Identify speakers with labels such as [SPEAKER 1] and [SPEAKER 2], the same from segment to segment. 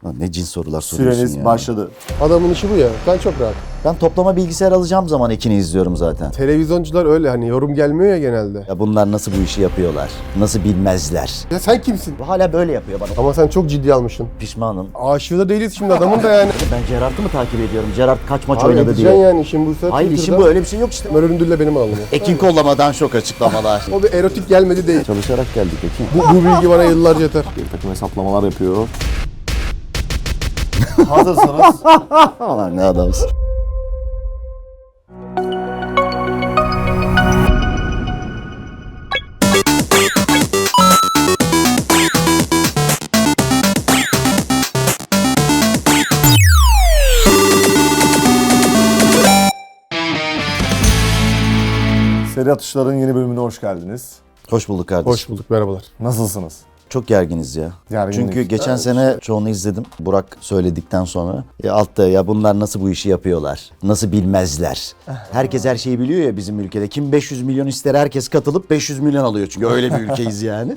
[SPEAKER 1] Lan ne cins sorular soruyorsun
[SPEAKER 2] Süreniz
[SPEAKER 1] ya.
[SPEAKER 2] başladı.
[SPEAKER 3] Adamın işi bu ya. Ben çok rahat.
[SPEAKER 1] Ben toplama bilgisayar alacağım zaman Ekin'i izliyorum zaten.
[SPEAKER 3] Televizyoncular öyle hani yorum gelmiyor ya genelde.
[SPEAKER 1] Ya bunlar nasıl bu işi yapıyorlar? Nasıl bilmezler?
[SPEAKER 3] Ya sen kimsin?
[SPEAKER 1] Bu hala böyle yapıyor bana.
[SPEAKER 3] Ama sen çok ciddi almışsın.
[SPEAKER 1] Pişmanım.
[SPEAKER 3] Aşığı da değiliz şimdi adamın da yani.
[SPEAKER 1] Ben Gerard'ı mı takip ediyorum? Gerard kaç maç
[SPEAKER 3] Abi
[SPEAKER 1] oynadı
[SPEAKER 3] edeceksin
[SPEAKER 1] diye.
[SPEAKER 3] yani işin buysa.
[SPEAKER 1] Hayır işin
[SPEAKER 3] Twitter'da
[SPEAKER 1] bu, öyle bir şey yok işte.
[SPEAKER 3] Möründülle benim alnım.
[SPEAKER 1] Ekin kollamadan şok açıklamalar.
[SPEAKER 3] O bir erotik gelmedi değil.
[SPEAKER 1] Çalışarak geldik Ekin.
[SPEAKER 3] Bu bilgi bana yıllarca yeter.
[SPEAKER 2] Bir takım hesaplamalar yapıyor. Hazırsanız
[SPEAKER 1] Aman ne adamsın.
[SPEAKER 2] Seri Atışlar'ın yeni bölümüne hoş geldiniz.
[SPEAKER 1] Hoş bulduk kardeşim.
[SPEAKER 3] Hoş bulduk, merhabalar.
[SPEAKER 2] Nasılsınız?
[SPEAKER 1] Çok gerginiz ya.
[SPEAKER 2] Gerginlik.
[SPEAKER 1] Çünkü geçen sene çoğunu izledim. Burak söyledikten sonra. Ya altta ya bunlar nasıl bu işi yapıyorlar? Nasıl bilmezler? Herkes her şeyi biliyor ya bizim ülkede. Kim 500 milyon ister herkes katılıp 500 milyon alıyor. Çünkü öyle bir ülkeyiz yani.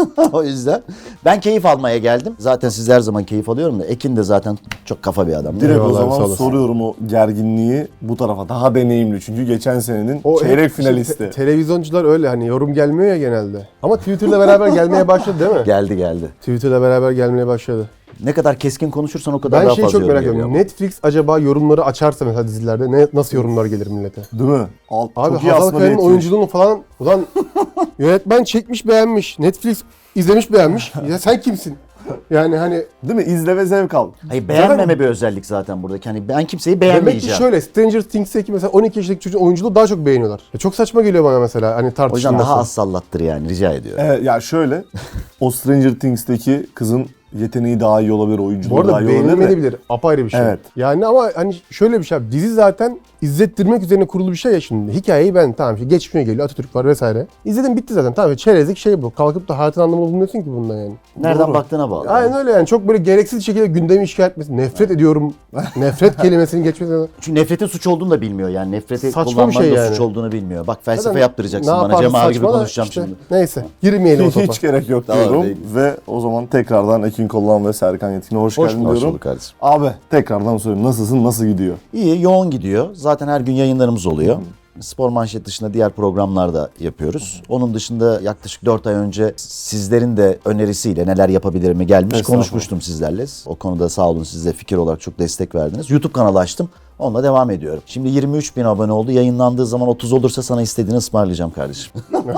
[SPEAKER 1] O yüzden ben keyif almaya geldim. Zaten siz her zaman keyif alıyorum da Ekin de zaten çok kafa bir adam.
[SPEAKER 2] Direkt
[SPEAKER 3] Eyvallah,
[SPEAKER 2] o
[SPEAKER 3] sağ
[SPEAKER 2] zaman
[SPEAKER 3] olasın.
[SPEAKER 2] soruyorum o gerginliği bu tarafa. Daha deneyimli çünkü geçen senenin
[SPEAKER 3] O
[SPEAKER 2] çeyrek
[SPEAKER 3] hep
[SPEAKER 2] finalisti.
[SPEAKER 3] Televizyoncular öyle hani yorum gelmiyor ya genelde. Ama Twitter'la beraber gelmeye başladı değil mi?
[SPEAKER 1] Geldi.
[SPEAKER 3] Twitter'la beraber gelmeye başladı.
[SPEAKER 1] Ne kadar keskin konuşursan o kadar
[SPEAKER 3] Ben
[SPEAKER 1] daha
[SPEAKER 3] şeyi
[SPEAKER 1] fazla
[SPEAKER 3] çok
[SPEAKER 1] yorum
[SPEAKER 3] merak
[SPEAKER 1] geliyor
[SPEAKER 3] ediyorum.
[SPEAKER 1] ama.
[SPEAKER 3] Netflix acaba yorumları açarsa mesela dizilerde nasıl yorumlar gelir millete?
[SPEAKER 2] Değil mi?
[SPEAKER 3] Abi
[SPEAKER 2] Çok iyi
[SPEAKER 3] Hazal
[SPEAKER 2] aslında
[SPEAKER 3] Kaya'nın
[SPEAKER 2] niyetmiş.
[SPEAKER 3] oyunculuğunu falan ulan yönetmen çekmiş beğenmiş. Netflix izlemiş beğenmiş. Ya sen kimsin? Yani hani
[SPEAKER 2] Değil mi? İzle ve zevk al.
[SPEAKER 1] Hayır beğenmeme bir özellik zaten buradaki. Hani ben kimseyi
[SPEAKER 3] demek ki
[SPEAKER 1] beğenmeyeceğim.
[SPEAKER 3] şöyle Stranger Things'teki mesela 12 yaşındaki çocuğun oyunculuğu daha çok beğeniyorlar. Ya çok saçma geliyor bana mesela hani
[SPEAKER 1] O yüzden
[SPEAKER 3] tartışılması.
[SPEAKER 1] daha az sallattır yani rica ediyorum.
[SPEAKER 2] Evet ya şöyle o Stranger Things'teki kızın yeteneği daha iyi olabilir,
[SPEAKER 3] Bu
[SPEAKER 2] oyunculuğu daha
[SPEAKER 3] arada
[SPEAKER 2] iyi olabilir de.
[SPEAKER 3] beğenilmeyebilir. Apayrı bir şey.
[SPEAKER 2] Evet.
[SPEAKER 3] Yani ama hani şöyle bir şey abi. Dizi zaten izlettirmek üzerine kurulu bir şey ya şimdi. Hikayeyi ben tamam işte geçmişine geliyor. Atatürk var vesaire. İzledim bitti zaten. Tamam çerezlik şey bu. Kalkıp da hayatın anlamını bulmuyorsun ki bundan yani.
[SPEAKER 1] Nereden
[SPEAKER 2] Doğru.
[SPEAKER 1] baktığına bağlı.
[SPEAKER 3] Aynen öyle yani. Çok böyle gereksiz şekilde gündemi işgal etmesi. Nefret ediyorum. Nefret kelimesinin geçmesi.
[SPEAKER 1] Çünkü nefretin suç olduğunu da bilmiyor yani. Nefreti
[SPEAKER 3] Saçma bir
[SPEAKER 1] kullanmanın
[SPEAKER 3] şey
[SPEAKER 1] da
[SPEAKER 3] yani.
[SPEAKER 1] suç olduğunu bilmiyor. Bak felsefe
[SPEAKER 3] Zaten
[SPEAKER 1] yaptıracaksın
[SPEAKER 3] ne
[SPEAKER 1] bana.
[SPEAKER 3] yapardı,
[SPEAKER 1] Cem abi gibi
[SPEAKER 3] saçma da
[SPEAKER 1] konuşacağım
[SPEAKER 3] işte.
[SPEAKER 1] şimdi.
[SPEAKER 3] Neyse. Girmeyelim o topa.
[SPEAKER 2] Hiç gerek yok
[SPEAKER 1] Tamam,
[SPEAKER 2] diyorum
[SPEAKER 1] değil.
[SPEAKER 2] ve o zaman tekrardan Ekin Kollan ve Serkan Yetkin'e hoş geldin
[SPEAKER 1] Hoş
[SPEAKER 2] diyorum.
[SPEAKER 1] bulduk kardeşim.
[SPEAKER 2] Abi tekrardan soruyorum nasılsın, nasıl gidiyor?
[SPEAKER 1] İyi, yoğun gidiyor. Zaten her gün yayınlarımız oluyor. Spor Manşet dışında diğer programlarda yapıyoruz. Onun dışında yaklaşık 4 ay önce sizlerin de önerisiyle neler yapabilirimi gelmiş
[SPEAKER 2] Estağfurullah.
[SPEAKER 1] konuşmuştum sizlerle. O konuda sağ olun, siz de fikir olarak çok destek verdiniz. YouTube kanalı açtım. Onunla devam ediyorum. Şimdi 23 bin abone oldu. Yayınlandığı zaman 30 olursa sana istediğini ısmarlayacağım kardeşim.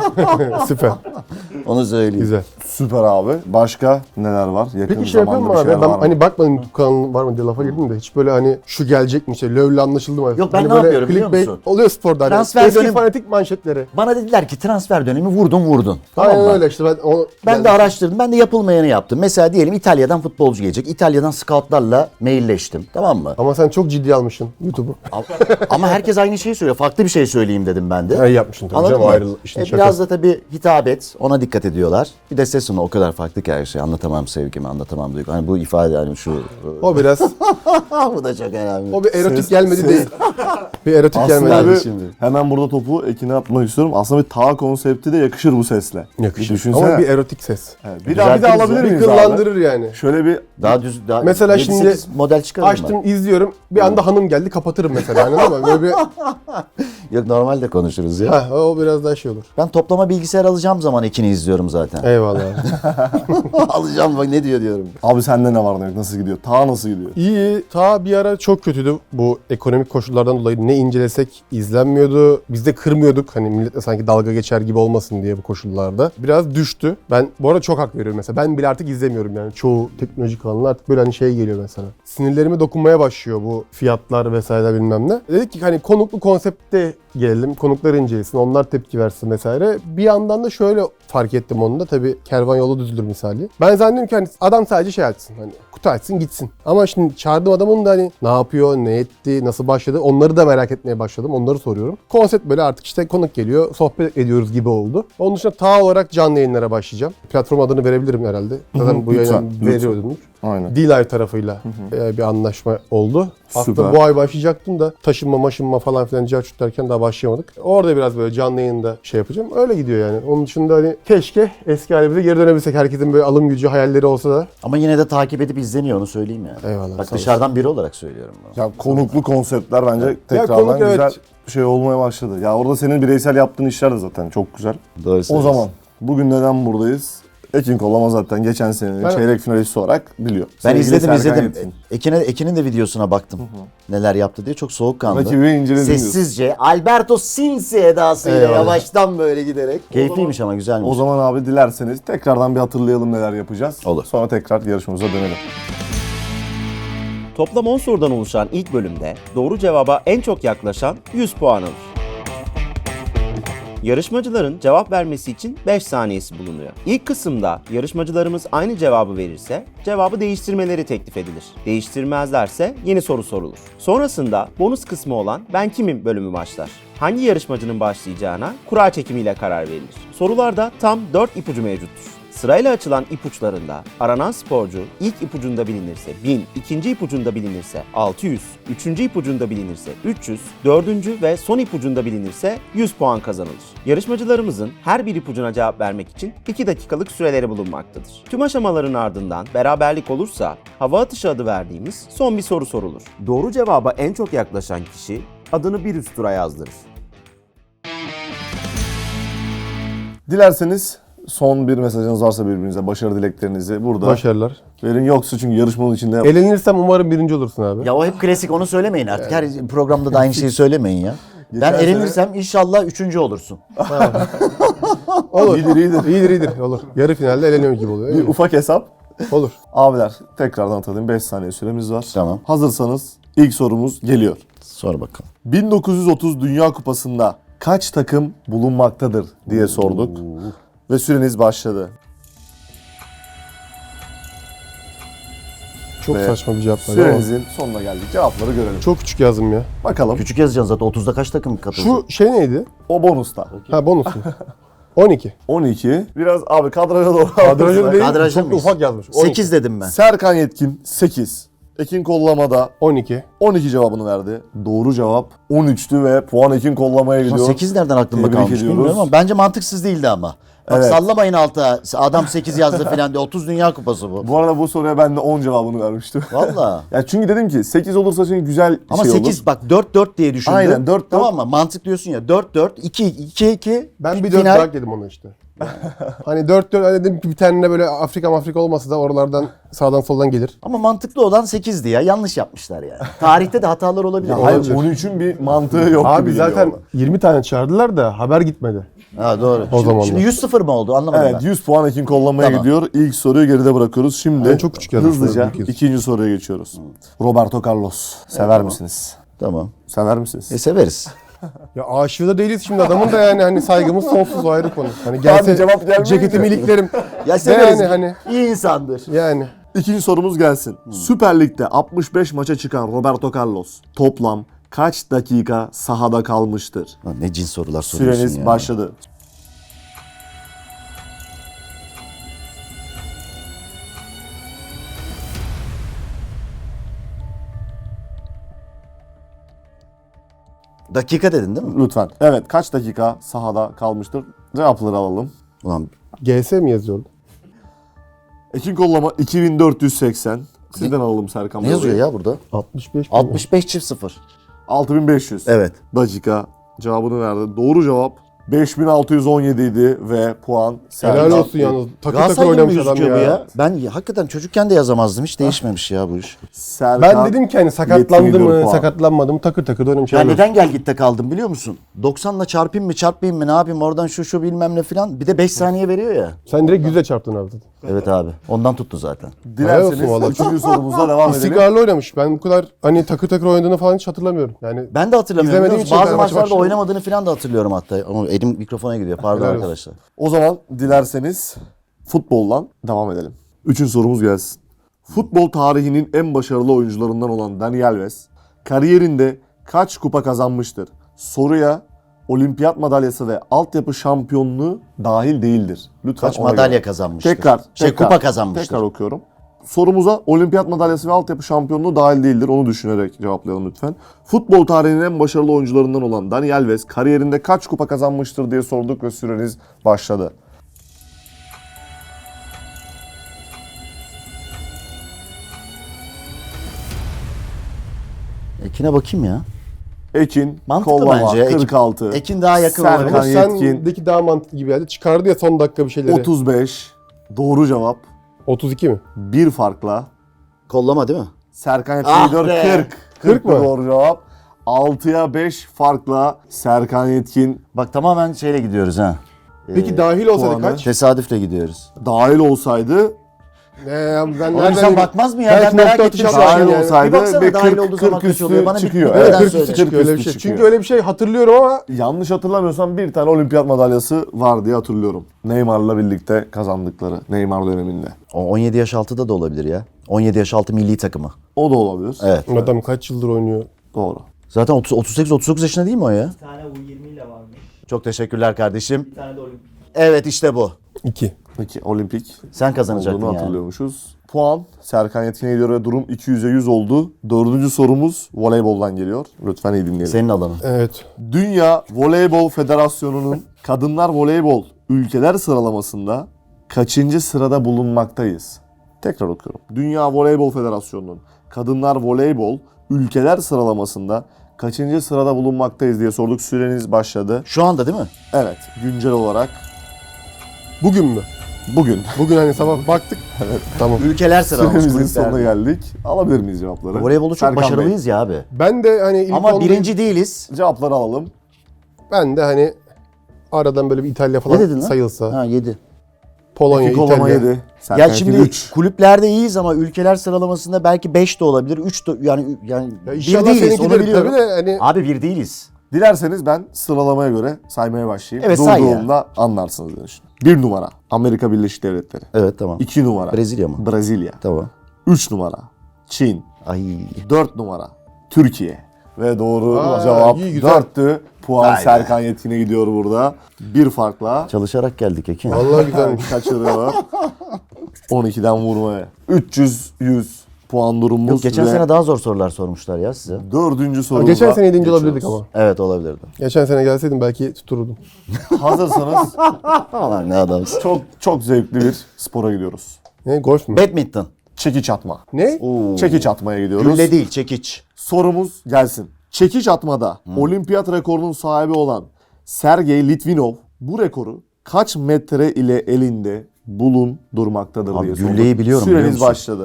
[SPEAKER 3] Süper.
[SPEAKER 1] Onu söyleyeyim.
[SPEAKER 3] Güzel.
[SPEAKER 2] Süper abi. Başka neler var? Yakın
[SPEAKER 3] Peki şey yapıyor mu
[SPEAKER 2] zamanda bir
[SPEAKER 3] abi?
[SPEAKER 2] şeyler
[SPEAKER 3] Ben
[SPEAKER 2] var mı?
[SPEAKER 3] hani bakmadım YouTube kanalın var mı diye lafa girdim de hiç böyle hani şu gelecek mi şey LoL'le anlaşıldı mı?
[SPEAKER 1] Yok, ben
[SPEAKER 3] hani
[SPEAKER 1] ne
[SPEAKER 3] böyle
[SPEAKER 1] yapıyorum biliyor
[SPEAKER 3] clickbait
[SPEAKER 1] musun?
[SPEAKER 3] Oluyor sporda hani.
[SPEAKER 1] Transfer
[SPEAKER 3] Eski
[SPEAKER 1] dönemi-
[SPEAKER 3] fanatik manşetleri.
[SPEAKER 1] Bana dediler ki transfer dönemi vurdun. Tamam
[SPEAKER 3] Aynen
[SPEAKER 1] mı?
[SPEAKER 3] öyle işte
[SPEAKER 1] Ben de araştırdım. Ben de yapılmayanı yaptım. Mesela diyelim İtalya'dan futbolcu gelecek. İtalya'dan scoutlarla mailleştim. Tamam mı?
[SPEAKER 3] Ama sen çok ciddi almışsın YouTube'u.
[SPEAKER 1] Ama herkes aynı şeyi söylüyor. Farklı bir şey söyleyeyim dedim ben de.
[SPEAKER 3] İyi yapmışsın tabii
[SPEAKER 1] Anladın
[SPEAKER 3] canım
[SPEAKER 1] mı?
[SPEAKER 3] ayrı işin şakası.
[SPEAKER 1] Biraz da tabii hitap et. Ona dikkat ediyorlar. Bir de ses tonu o kadar farklı ki her şey. Anlatamam sevgimi, anlatamam duygu. Hani bu ifade hani şu...
[SPEAKER 3] O biraz,
[SPEAKER 1] bu da çok önemli.
[SPEAKER 3] o bir erotik
[SPEAKER 2] Ses-
[SPEAKER 3] gelmedi
[SPEAKER 2] ses-
[SPEAKER 3] değil. Bir erotik
[SPEAKER 2] Aslında
[SPEAKER 3] gelmedi.
[SPEAKER 2] bir,
[SPEAKER 1] şimdi.
[SPEAKER 2] hemen burada topu Ekin'e atmak istiyorum. Aslında bir ta konsepti de yakışır bu sesle.
[SPEAKER 3] Yakışır.
[SPEAKER 2] Bir düşünsene.
[SPEAKER 3] Ama bir erotik ses.
[SPEAKER 2] Evet, bir daha
[SPEAKER 1] Düzeltiriz
[SPEAKER 2] alabilir
[SPEAKER 1] ya.
[SPEAKER 3] Bir
[SPEAKER 2] miyiz abi?
[SPEAKER 3] kıllandırır yani.
[SPEAKER 2] Şöyle bir
[SPEAKER 1] Daha düz, daha
[SPEAKER 3] Mesela
[SPEAKER 1] 7-8
[SPEAKER 3] şimdi
[SPEAKER 1] model çıkarım
[SPEAKER 3] Açtım izliyorum bir anda hanım geldi kapatırım mesela anladın mı? Böyle bir,
[SPEAKER 1] Yok normalde konuşuruz ya.
[SPEAKER 3] heh, o biraz daha şey olur.
[SPEAKER 1] Ben toplama bilgisayar alacağım zaman Ekin'i izliyorum zaten.
[SPEAKER 3] Eyvallah.
[SPEAKER 1] Alacağım bak ne diyorum.
[SPEAKER 2] abi sende ne var ne yok, nasıl gidiyor? Ta nasıl gidiyor?
[SPEAKER 3] İyi. Ta bir ara çok kötüydü bu ekonomik koşullardan dolayı. Ne incelesek izlenmiyordu. Biz de kırmıyorduk. Hani milletle sanki dalga geçer gibi olmasın diye bu koşullarda. Biraz düştü. Ben bu arada çok hak veriyorum mesela. Ben bile artık izlemiyorum yani. Çoğu teknolojik kanallar artık böyle hani şey geliyor mesela. Sinirlerime dokunmaya başlıyor bu fiyatlar vesaire bilmem ne. Dedik ki hani konuklu konsepte gelelim. Konuklar incelesin. Onlar tepki versin vesaire. Bir yandan da şöyle fark ettim onu da. Tabii kervan yolu düzülür misali. Ben zannediyorum ki hani adam sadece şey açsın. Hani kutu açsın gitsin. Ama şimdi çağırdığım adamın da hani ne yapıyor, ne etti, nasıl başladı onları da merak etmeye başladım. Onları soruyorum. Konsept böyle artık işte konuk geliyor, sohbet ediyoruz gibi oldu. Onun dışında ta olarak canlı yayınlara başlayacağım. Platform adını verebilirim herhalde. Zaten bu
[SPEAKER 2] Lütfen,
[SPEAKER 3] yayını
[SPEAKER 2] lütfen.
[SPEAKER 3] veriyordum.
[SPEAKER 2] Aynen.
[SPEAKER 3] D-Live tarafıyla bir anlaşma oldu.
[SPEAKER 2] Süper.
[SPEAKER 3] Aslında bu ay başlayacaktım da taşınma falan filan cahçut derken daha başlayamadık. Orada biraz böyle canlı yayında şey yapacağım. Öyle gidiyor yani. Onun dışında hani keşke eski halimize geri dönebilsek. Herkesin böyle alım gücü, hayalleri olsa da.
[SPEAKER 1] Ama yine de takip edip izleniyor, onu söyleyeyim yani.
[SPEAKER 3] Eyvallah,
[SPEAKER 1] Bak
[SPEAKER 3] sağ
[SPEAKER 1] dışarıdan biri olarak söylüyorum bunu.
[SPEAKER 2] Ya konuklu konseptler bence tekrardan
[SPEAKER 3] konuk,
[SPEAKER 2] güzel
[SPEAKER 3] evet.
[SPEAKER 2] şey olmaya başladı. Ya orada senin bireysel yaptığın işler de zaten çok güzel.
[SPEAKER 1] Doğru
[SPEAKER 2] O
[SPEAKER 1] söylüyorsun.
[SPEAKER 2] zaman bugün neden buradayız? Ekin Kollama zaten geçen senenin
[SPEAKER 3] Ben-
[SPEAKER 2] çeyrek finalisti olarak biliyor.
[SPEAKER 1] Ben
[SPEAKER 2] Sevgili
[SPEAKER 1] izledim.
[SPEAKER 2] Serkan Yetkin.
[SPEAKER 1] Ekin'in de videosuna baktım. Neler yaptı diye çok soğukkanlı.
[SPEAKER 2] Rakibi inceledim diyorsun.
[SPEAKER 1] Sessizce Alberto Silsi edasıyla
[SPEAKER 3] Eyvallah.
[SPEAKER 1] yavaştan böyle giderek. Keyifliymiş ama güzelmiş.
[SPEAKER 2] O zaman abi dilerseniz tekrardan bir hatırlayalım neler yapacağız.
[SPEAKER 1] Olur.
[SPEAKER 2] Sonra tekrar yarışmamıza dönelim.
[SPEAKER 4] Toplam 10 sorudan oluşan ilk bölümde doğru cevaba en çok yaklaşan 100 puan alır. Yarışmacıların cevap vermesi için 5 saniyesi bulunuyor. İlk kısımda yarışmacılarımız aynı cevabı verirse cevabı değiştirmeleri teklif edilir. Değiştirmezlerse yeni soru sorulur. Sonrasında bonus kısmı olan Ben Kimim bölümü başlar. Hangi yarışmacının başlayacağına kura çekimiyle karar verilir. Sorularda tam 4 ipucu mevcuttur. Sırayla açılan ipuçlarında aranan sporcu ilk ipucunda bilinirse 1000, ikinci ipucunda bilinirse 600, üçüncü ipucunda bilinirse 300, dördüncü ve son ipucunda bilinirse 100 puan kazanılır. Yarışmacılarımızın her bir ipucuna cevap vermek için 2 dakikalık süreleri bulunmaktadır. Tüm aşamaların ardından beraberlik olursa hava atışı adı verdiğimiz son bir soru sorulur. Doğru cevaba en çok yaklaşan kişi adını bir üst tura yazdırır.
[SPEAKER 2] Dilerseniz son bir mesajınız varsa birbirinize başarı dileklerinizi burada
[SPEAKER 3] Başarılar.
[SPEAKER 2] verin. Yoksa çünkü yarışmanın içinde
[SPEAKER 3] Elenirsem umarım birinci olursun abi.
[SPEAKER 1] Ya o hep klasik, onu söylemeyin artık. Her programda da aynı şeyi söylemeyin ya. Ben
[SPEAKER 2] Geçen
[SPEAKER 1] elenirsem inşallah 3. olursun.
[SPEAKER 3] Olur.
[SPEAKER 2] iyidir.
[SPEAKER 3] İyidir. Olur. Yarı finalde eleniyor gibi oluyor.
[SPEAKER 2] bir ufak hesap.
[SPEAKER 3] Olur.
[SPEAKER 2] Abiler tekrardan hatırlayın 5 saniye süremiz var.
[SPEAKER 1] Tamam.
[SPEAKER 2] Hazırsanız ilk sorumuz geliyor.
[SPEAKER 1] Sor bakalım.
[SPEAKER 2] 1930 Dünya Kupası'nda kaç takım bulunmaktadır diye sorduk. Ve süreniz başladı.
[SPEAKER 3] Çok
[SPEAKER 2] Ve
[SPEAKER 3] saçma bir cevap var ama.
[SPEAKER 2] Sürenizin sonuna geldik. Cevapları görelim.
[SPEAKER 3] Çok küçük yazdım ya.
[SPEAKER 2] Bakalım.
[SPEAKER 1] Küçük yazacaksın zaten. 30'da kaç takım katıldı?
[SPEAKER 3] Şu şey neydi?
[SPEAKER 2] O bonusta.
[SPEAKER 3] Ha bonus mu? 12.
[SPEAKER 2] 12. Biraz abi kadraja doğru.
[SPEAKER 3] Kadrajı değil.
[SPEAKER 1] Kadrajda
[SPEAKER 3] Çok da
[SPEAKER 1] mıyız?
[SPEAKER 3] ufak yazmış. 12.
[SPEAKER 1] 8 dedim ben.
[SPEAKER 2] Serkan Yetkin 8. Ekin Kollama'da
[SPEAKER 3] 12.
[SPEAKER 2] 12 cevabını verdi. Doğru cevap 13'tü ve puan Ekin Kollama'ya gidiyor.
[SPEAKER 1] 8 nereden aklımda
[SPEAKER 2] Tebrik
[SPEAKER 1] kalmış
[SPEAKER 2] ediyoruz.
[SPEAKER 1] bilmiyorum ama bence mantıksız değildi ama. Bak
[SPEAKER 2] Evet.
[SPEAKER 1] sallamayın alta. Adam 8 yazdı falan diye. 30 Dünya Kupası bu.
[SPEAKER 2] Bu arada bu soruya ben de 10 cevabını vermiştim.
[SPEAKER 1] Valla.
[SPEAKER 2] Ya çünkü dedim ki 8 olursa çünkü güzel
[SPEAKER 1] Ama
[SPEAKER 2] şey
[SPEAKER 1] 8
[SPEAKER 2] olur.
[SPEAKER 1] bak 4-4 diye düşündüm.
[SPEAKER 2] Aynen, 4-4.
[SPEAKER 1] Tamam mı? Mantık diyorsun ya. 4-4, 2-2.
[SPEAKER 3] Ben bir 4
[SPEAKER 1] final.
[SPEAKER 3] bırak dedim onu işte. Hani 4-4 hani dedim ki bir tane de böyle Afrika olmasa da oralardan sağdan soldan gelir.
[SPEAKER 1] Ama mantıklı olan 8'di ya. Yanlış yapmışlar yani. Tarihte de hatalar olabilir.
[SPEAKER 2] Ya hayır
[SPEAKER 3] Olabilir.
[SPEAKER 2] 13'ün bir mantığı yok
[SPEAKER 3] Abi
[SPEAKER 2] gibi
[SPEAKER 3] zaten
[SPEAKER 2] geliyor
[SPEAKER 3] 20 tane çağırdılar da haber gitmedi.
[SPEAKER 1] Ha doğru.
[SPEAKER 3] O zamanlar.
[SPEAKER 1] Şimdi 100-0 mı oldu? Anlamadım
[SPEAKER 2] Evet
[SPEAKER 1] ben.
[SPEAKER 2] 100 puan Ekin Kollama'ya
[SPEAKER 1] Tamam.
[SPEAKER 2] gidiyor. İlk soruyu geride bırakıyoruz. Şimdi
[SPEAKER 3] Ben çok küçük yazmışım,
[SPEAKER 2] hızlıca
[SPEAKER 3] büyük yazmışım.
[SPEAKER 2] ikinci soruya geçiyoruz. Roberto Carlos. Sever misiniz?
[SPEAKER 1] Tamam.
[SPEAKER 2] Sever misiniz?
[SPEAKER 1] Severiz.
[SPEAKER 3] Ya aşığı da değiliz şimdi adamın da yani hani saygımız sonsuz, o ayrı konu. Hani gelse
[SPEAKER 2] cevap gelmeyince.
[SPEAKER 3] ceketimi iliklerim.
[SPEAKER 1] Ya severiz.
[SPEAKER 3] Yani hani
[SPEAKER 1] İyi insandır.
[SPEAKER 3] yani.
[SPEAKER 2] İkinci sorumuz gelsin. Süper Lig'de 65 maça çıkan Roberto Carlos toplam kaç dakika sahada kalmıştır?
[SPEAKER 1] Lan ne cins sorular soruyorsun
[SPEAKER 2] Süreniz
[SPEAKER 1] ya.
[SPEAKER 2] başladı.
[SPEAKER 1] Dakika dedin değil mi?
[SPEAKER 2] Lütfen. Evet, kaç dakika sahada kalmıştır? Cevapları alalım.
[SPEAKER 1] Ulan
[SPEAKER 3] GS mi yazıyordu?
[SPEAKER 2] Ekin Kollama 2480. Sizden alalım Serkan
[SPEAKER 1] ne
[SPEAKER 2] Bey.
[SPEAKER 1] yazıyor ya burada?
[SPEAKER 3] 65 mi?
[SPEAKER 1] 65 çift 0.
[SPEAKER 2] 6500.
[SPEAKER 1] Evet.
[SPEAKER 2] Dakika cevabını verdi. Doğru cevap 5617 idi ve puan
[SPEAKER 3] Helal
[SPEAKER 2] Serkan.
[SPEAKER 3] olsun yalnız. Takır takır
[SPEAKER 1] Galatasaray gibi
[SPEAKER 3] oynamış adam
[SPEAKER 1] gözüküyor bu
[SPEAKER 3] ya.
[SPEAKER 1] ya. Ben hakikaten çocukken de yazamazdım. Hiç değişmemiş ya bu iş.
[SPEAKER 2] Serkan
[SPEAKER 3] Ben dedim ki hani sakatlandı
[SPEAKER 2] 74
[SPEAKER 3] mı,
[SPEAKER 2] puan.
[SPEAKER 3] sakatlanmadı mı takır takır oynamış.
[SPEAKER 1] Ya
[SPEAKER 3] helal olsun.
[SPEAKER 1] neden gel gitte kaldım biliyor musun? 90'la çarpayım mı çarpmayayım mı ne yapayım oradan şu bilmem ne filan. Bir de 5 saniye veriyor ya.
[SPEAKER 3] Sen direkt 100'e çarptın abi.
[SPEAKER 1] Evet abi. Ondan tuttu zaten.
[SPEAKER 3] Helal olsun
[SPEAKER 2] Dilerseniz
[SPEAKER 3] vallahi.
[SPEAKER 2] 3. sorumuza devam edelim.
[SPEAKER 3] İstikrarlı oynamış. Ben bu kadar hani takır takır oynadığını falan hiç hatırlamıyorum. Yani
[SPEAKER 1] Ben de hatırlamıyorum.
[SPEAKER 3] İzlemediğim
[SPEAKER 1] biliyor musun?
[SPEAKER 3] için
[SPEAKER 1] Bazı
[SPEAKER 3] Fenerbahçe
[SPEAKER 1] maçlarda
[SPEAKER 3] başlıyor.
[SPEAKER 1] oynamadığını filan da hatırlıyorum hatta. Ama elim mikrofona gidiyor. Pardon
[SPEAKER 3] Helal olsun.
[SPEAKER 1] arkadaşlar.
[SPEAKER 2] O zaman dilerseniz futboldan devam edelim. 3. sorumuz gelsin. Futbol tarihinin en başarılı oyuncularından olan Dani Alves kariyerinde kaç kupa kazanmıştır? Soruya olimpiyat madalyası ve altyapı şampiyonluğu dahil değildir. Lütfen
[SPEAKER 1] Kaç
[SPEAKER 2] ona
[SPEAKER 1] madalya
[SPEAKER 2] göre.
[SPEAKER 1] kazanmıştır?
[SPEAKER 2] Tekrar.
[SPEAKER 1] Kupa kazanmıştır.
[SPEAKER 2] Tekrar okuyorum. Sorumuza olimpiyat madalyası ve altyapı şampiyonluğu dahil değildir. Onu düşünerek cevaplayalım lütfen. Futbol tarihinin en başarılı oyuncularından olan Dani Alves kariyerinde kaç kupa kazanmıştır diye sorduk ve süreniz başladı.
[SPEAKER 1] Ekin'e bakayım ya.
[SPEAKER 2] Ekin,
[SPEAKER 1] Mantıklı
[SPEAKER 2] kollama,
[SPEAKER 1] bence. Ekin-
[SPEAKER 2] 46.
[SPEAKER 1] Ekin daha yakın
[SPEAKER 2] Serkan
[SPEAKER 1] olabilir.
[SPEAKER 2] Yetkin,
[SPEAKER 3] Sendeki daha mantıklı gibi geldi. Çıkardı ya son dakika bir şeyleri.
[SPEAKER 2] 35. Doğru cevap.
[SPEAKER 3] 32 mi?
[SPEAKER 2] Bir farkla.
[SPEAKER 1] Kollama değil mi?
[SPEAKER 2] Serkan Yetkin
[SPEAKER 1] Ah
[SPEAKER 2] gidiyor
[SPEAKER 1] be!
[SPEAKER 2] 40.
[SPEAKER 3] 40 mı?
[SPEAKER 2] Doğru cevap. 6'ya 5 farkla Serkan Yetkin
[SPEAKER 1] Bak tamamen şeyle gidiyoruz ha.
[SPEAKER 3] Peki dahil olsaydı
[SPEAKER 2] puanı.
[SPEAKER 3] kaç?
[SPEAKER 1] Tesadüfle gidiyoruz.
[SPEAKER 2] dahil olsaydı,
[SPEAKER 3] Ben
[SPEAKER 1] Oğlum
[SPEAKER 3] nereden
[SPEAKER 1] sen bakmaz mı ya?
[SPEAKER 3] Belki
[SPEAKER 1] Ben merak
[SPEAKER 3] nokta
[SPEAKER 1] ettim
[SPEAKER 3] atışı
[SPEAKER 1] şu an.
[SPEAKER 2] dahil
[SPEAKER 3] yani.
[SPEAKER 2] olsaydı
[SPEAKER 1] Bir baksana
[SPEAKER 2] ve
[SPEAKER 1] dahil
[SPEAKER 2] 40,
[SPEAKER 1] olduğu zaman
[SPEAKER 2] 40
[SPEAKER 1] kaç oluyor? Bana bir
[SPEAKER 2] çıkıyor.
[SPEAKER 1] neden
[SPEAKER 2] Evet, 40
[SPEAKER 1] söyle.
[SPEAKER 2] üstü
[SPEAKER 3] çıkıyor öyle bir şey.
[SPEAKER 2] çıkıyor.
[SPEAKER 3] Çünkü öyle bir şey hatırlıyorum ama
[SPEAKER 2] yanlış hatırlamıyorsam bir tane olimpiyat madalyası var diye hatırlıyorum. Neymar'la birlikte kazandıkları Neymar döneminde.
[SPEAKER 1] O 17 yaş altıda da olabilir ya. 17 yaş altı milli takımı.
[SPEAKER 2] O da olabilir.
[SPEAKER 1] Evet.
[SPEAKER 3] adam kaç yıldır oynuyor.
[SPEAKER 2] Doğru.
[SPEAKER 1] Zaten 38-39 yaşında değil mi o ya?
[SPEAKER 5] Bir tane U20 ile varmış.
[SPEAKER 1] Çok teşekkürler kardeşim.
[SPEAKER 5] Bir tane de olimpik.
[SPEAKER 1] Evet işte bu.
[SPEAKER 3] 2.
[SPEAKER 2] Peki olimpik
[SPEAKER 1] Sen kazanacaktın
[SPEAKER 2] olduğunu
[SPEAKER 1] yani.
[SPEAKER 2] hatırlıyormuşuz. Puan Serkan Yetkin'e gidiyor ve durum 200'e 100 oldu. Dördüncü sorumuz voleyboldan geliyor. Lütfen iyi dinleyelim.
[SPEAKER 1] Senin alanın.
[SPEAKER 3] Evet.
[SPEAKER 2] Dünya Voleybol Federasyonu'nun kadınlar voleybol ülkeler sıralamasında kaçıncı sırada bulunmaktayız? Tekrar okuyorum. Dünya Voleybol Federasyonu'nun kadınlar voleybol ülkeler sıralamasında kaçıncı sırada bulunmaktayız diye sorduk. Süreniz başladı.
[SPEAKER 1] Şu anda değil mi?
[SPEAKER 2] Evet, güncel olarak
[SPEAKER 3] Bugün mü?
[SPEAKER 2] bugün.
[SPEAKER 3] Bugün hani sabah baktık. Evet. Tamam.
[SPEAKER 1] Ülkeler sıralaması.
[SPEAKER 2] Süremizin sonuna
[SPEAKER 1] kulüpler.
[SPEAKER 2] geldik. Alabilir miyiz cevapları?
[SPEAKER 1] Voleybolda çok
[SPEAKER 2] Serkan Bey,
[SPEAKER 1] başarılıyız ya abi.
[SPEAKER 3] Ben de hani ilk
[SPEAKER 1] Ama
[SPEAKER 3] onda-
[SPEAKER 1] birinci değiliz.
[SPEAKER 2] cevapları alalım.
[SPEAKER 3] ben de hani aradan böyle bir İtalya falan
[SPEAKER 1] Ne dedin lan?
[SPEAKER 3] sayılsa.
[SPEAKER 1] Ha 7.
[SPEAKER 3] Polonya,
[SPEAKER 2] İki kollama
[SPEAKER 3] İtalya.
[SPEAKER 2] 7. Serkan
[SPEAKER 1] Ya şimdi
[SPEAKER 2] Yetkin 3.
[SPEAKER 1] kulüplerde iyiyiz ama ülkeler sıralamasında belki 5 de olabilir. 3 de yani
[SPEAKER 3] Ya
[SPEAKER 1] bir
[SPEAKER 3] inşallah
[SPEAKER 1] değiliz onu
[SPEAKER 3] seninkidir
[SPEAKER 1] biliyorum.
[SPEAKER 3] tabii de hani
[SPEAKER 1] Abi bir değiliz.
[SPEAKER 2] Dilerseniz ben sıralamaya göre saymaya başlayayım.
[SPEAKER 1] Evet, say ya.
[SPEAKER 2] Durduğumda anlarsınız diye düşünüyorum. 1 numara Amerika Birleşik Devletleri.
[SPEAKER 1] Evet tamam.
[SPEAKER 2] 2 numara
[SPEAKER 1] Brezilya mı?
[SPEAKER 2] Brezilya.
[SPEAKER 1] Tamam.
[SPEAKER 2] 3 numara Çin.
[SPEAKER 1] Ay.
[SPEAKER 2] 4 numara Türkiye. Ve doğru
[SPEAKER 3] Aa,
[SPEAKER 2] cevap
[SPEAKER 3] iyi, güzel.
[SPEAKER 2] 4'tü. Puan
[SPEAKER 1] Vay be.
[SPEAKER 2] Serkan Yetkin'e gidiyor burada. Bir farkla.
[SPEAKER 1] Çalışarak geldik Ekin.
[SPEAKER 3] vallahi güzelmiş.
[SPEAKER 2] Kaçırıyor. 12'den vurmaya. 300-100 puan durumumuz.
[SPEAKER 1] Yok geçen
[SPEAKER 2] ve
[SPEAKER 1] sene daha zor sorular sormuşlar ya size.
[SPEAKER 2] dördüncü sorumuza
[SPEAKER 3] Geçen sene 7.
[SPEAKER 2] geçiyoruz.
[SPEAKER 3] olabilirdik ama.
[SPEAKER 1] Evet olabilirdi.
[SPEAKER 3] Geçen sene gelseydim belki tuttururdum.
[SPEAKER 2] Hazırsanız
[SPEAKER 1] Aman ne adamsın.
[SPEAKER 2] çok zevkli bir spora gidiyoruz.
[SPEAKER 3] Ne golf mü?
[SPEAKER 1] Badminton.
[SPEAKER 2] Çekiç atma.
[SPEAKER 3] Ne?
[SPEAKER 2] Çekiç atmaya gidiyoruz.
[SPEAKER 1] Gülle değil çekiç.
[SPEAKER 2] Sorumuz gelsin. Çekiç atmada olimpiyat rekorunun sahibi olan Sergey Litvinov bu rekoru kaç metre ile elinde bulundurmaktadır
[SPEAKER 1] Abi
[SPEAKER 2] diye sorduk.
[SPEAKER 1] gülleyi biliyorum, biliyor
[SPEAKER 2] Süreniz
[SPEAKER 1] musun?
[SPEAKER 2] başladı.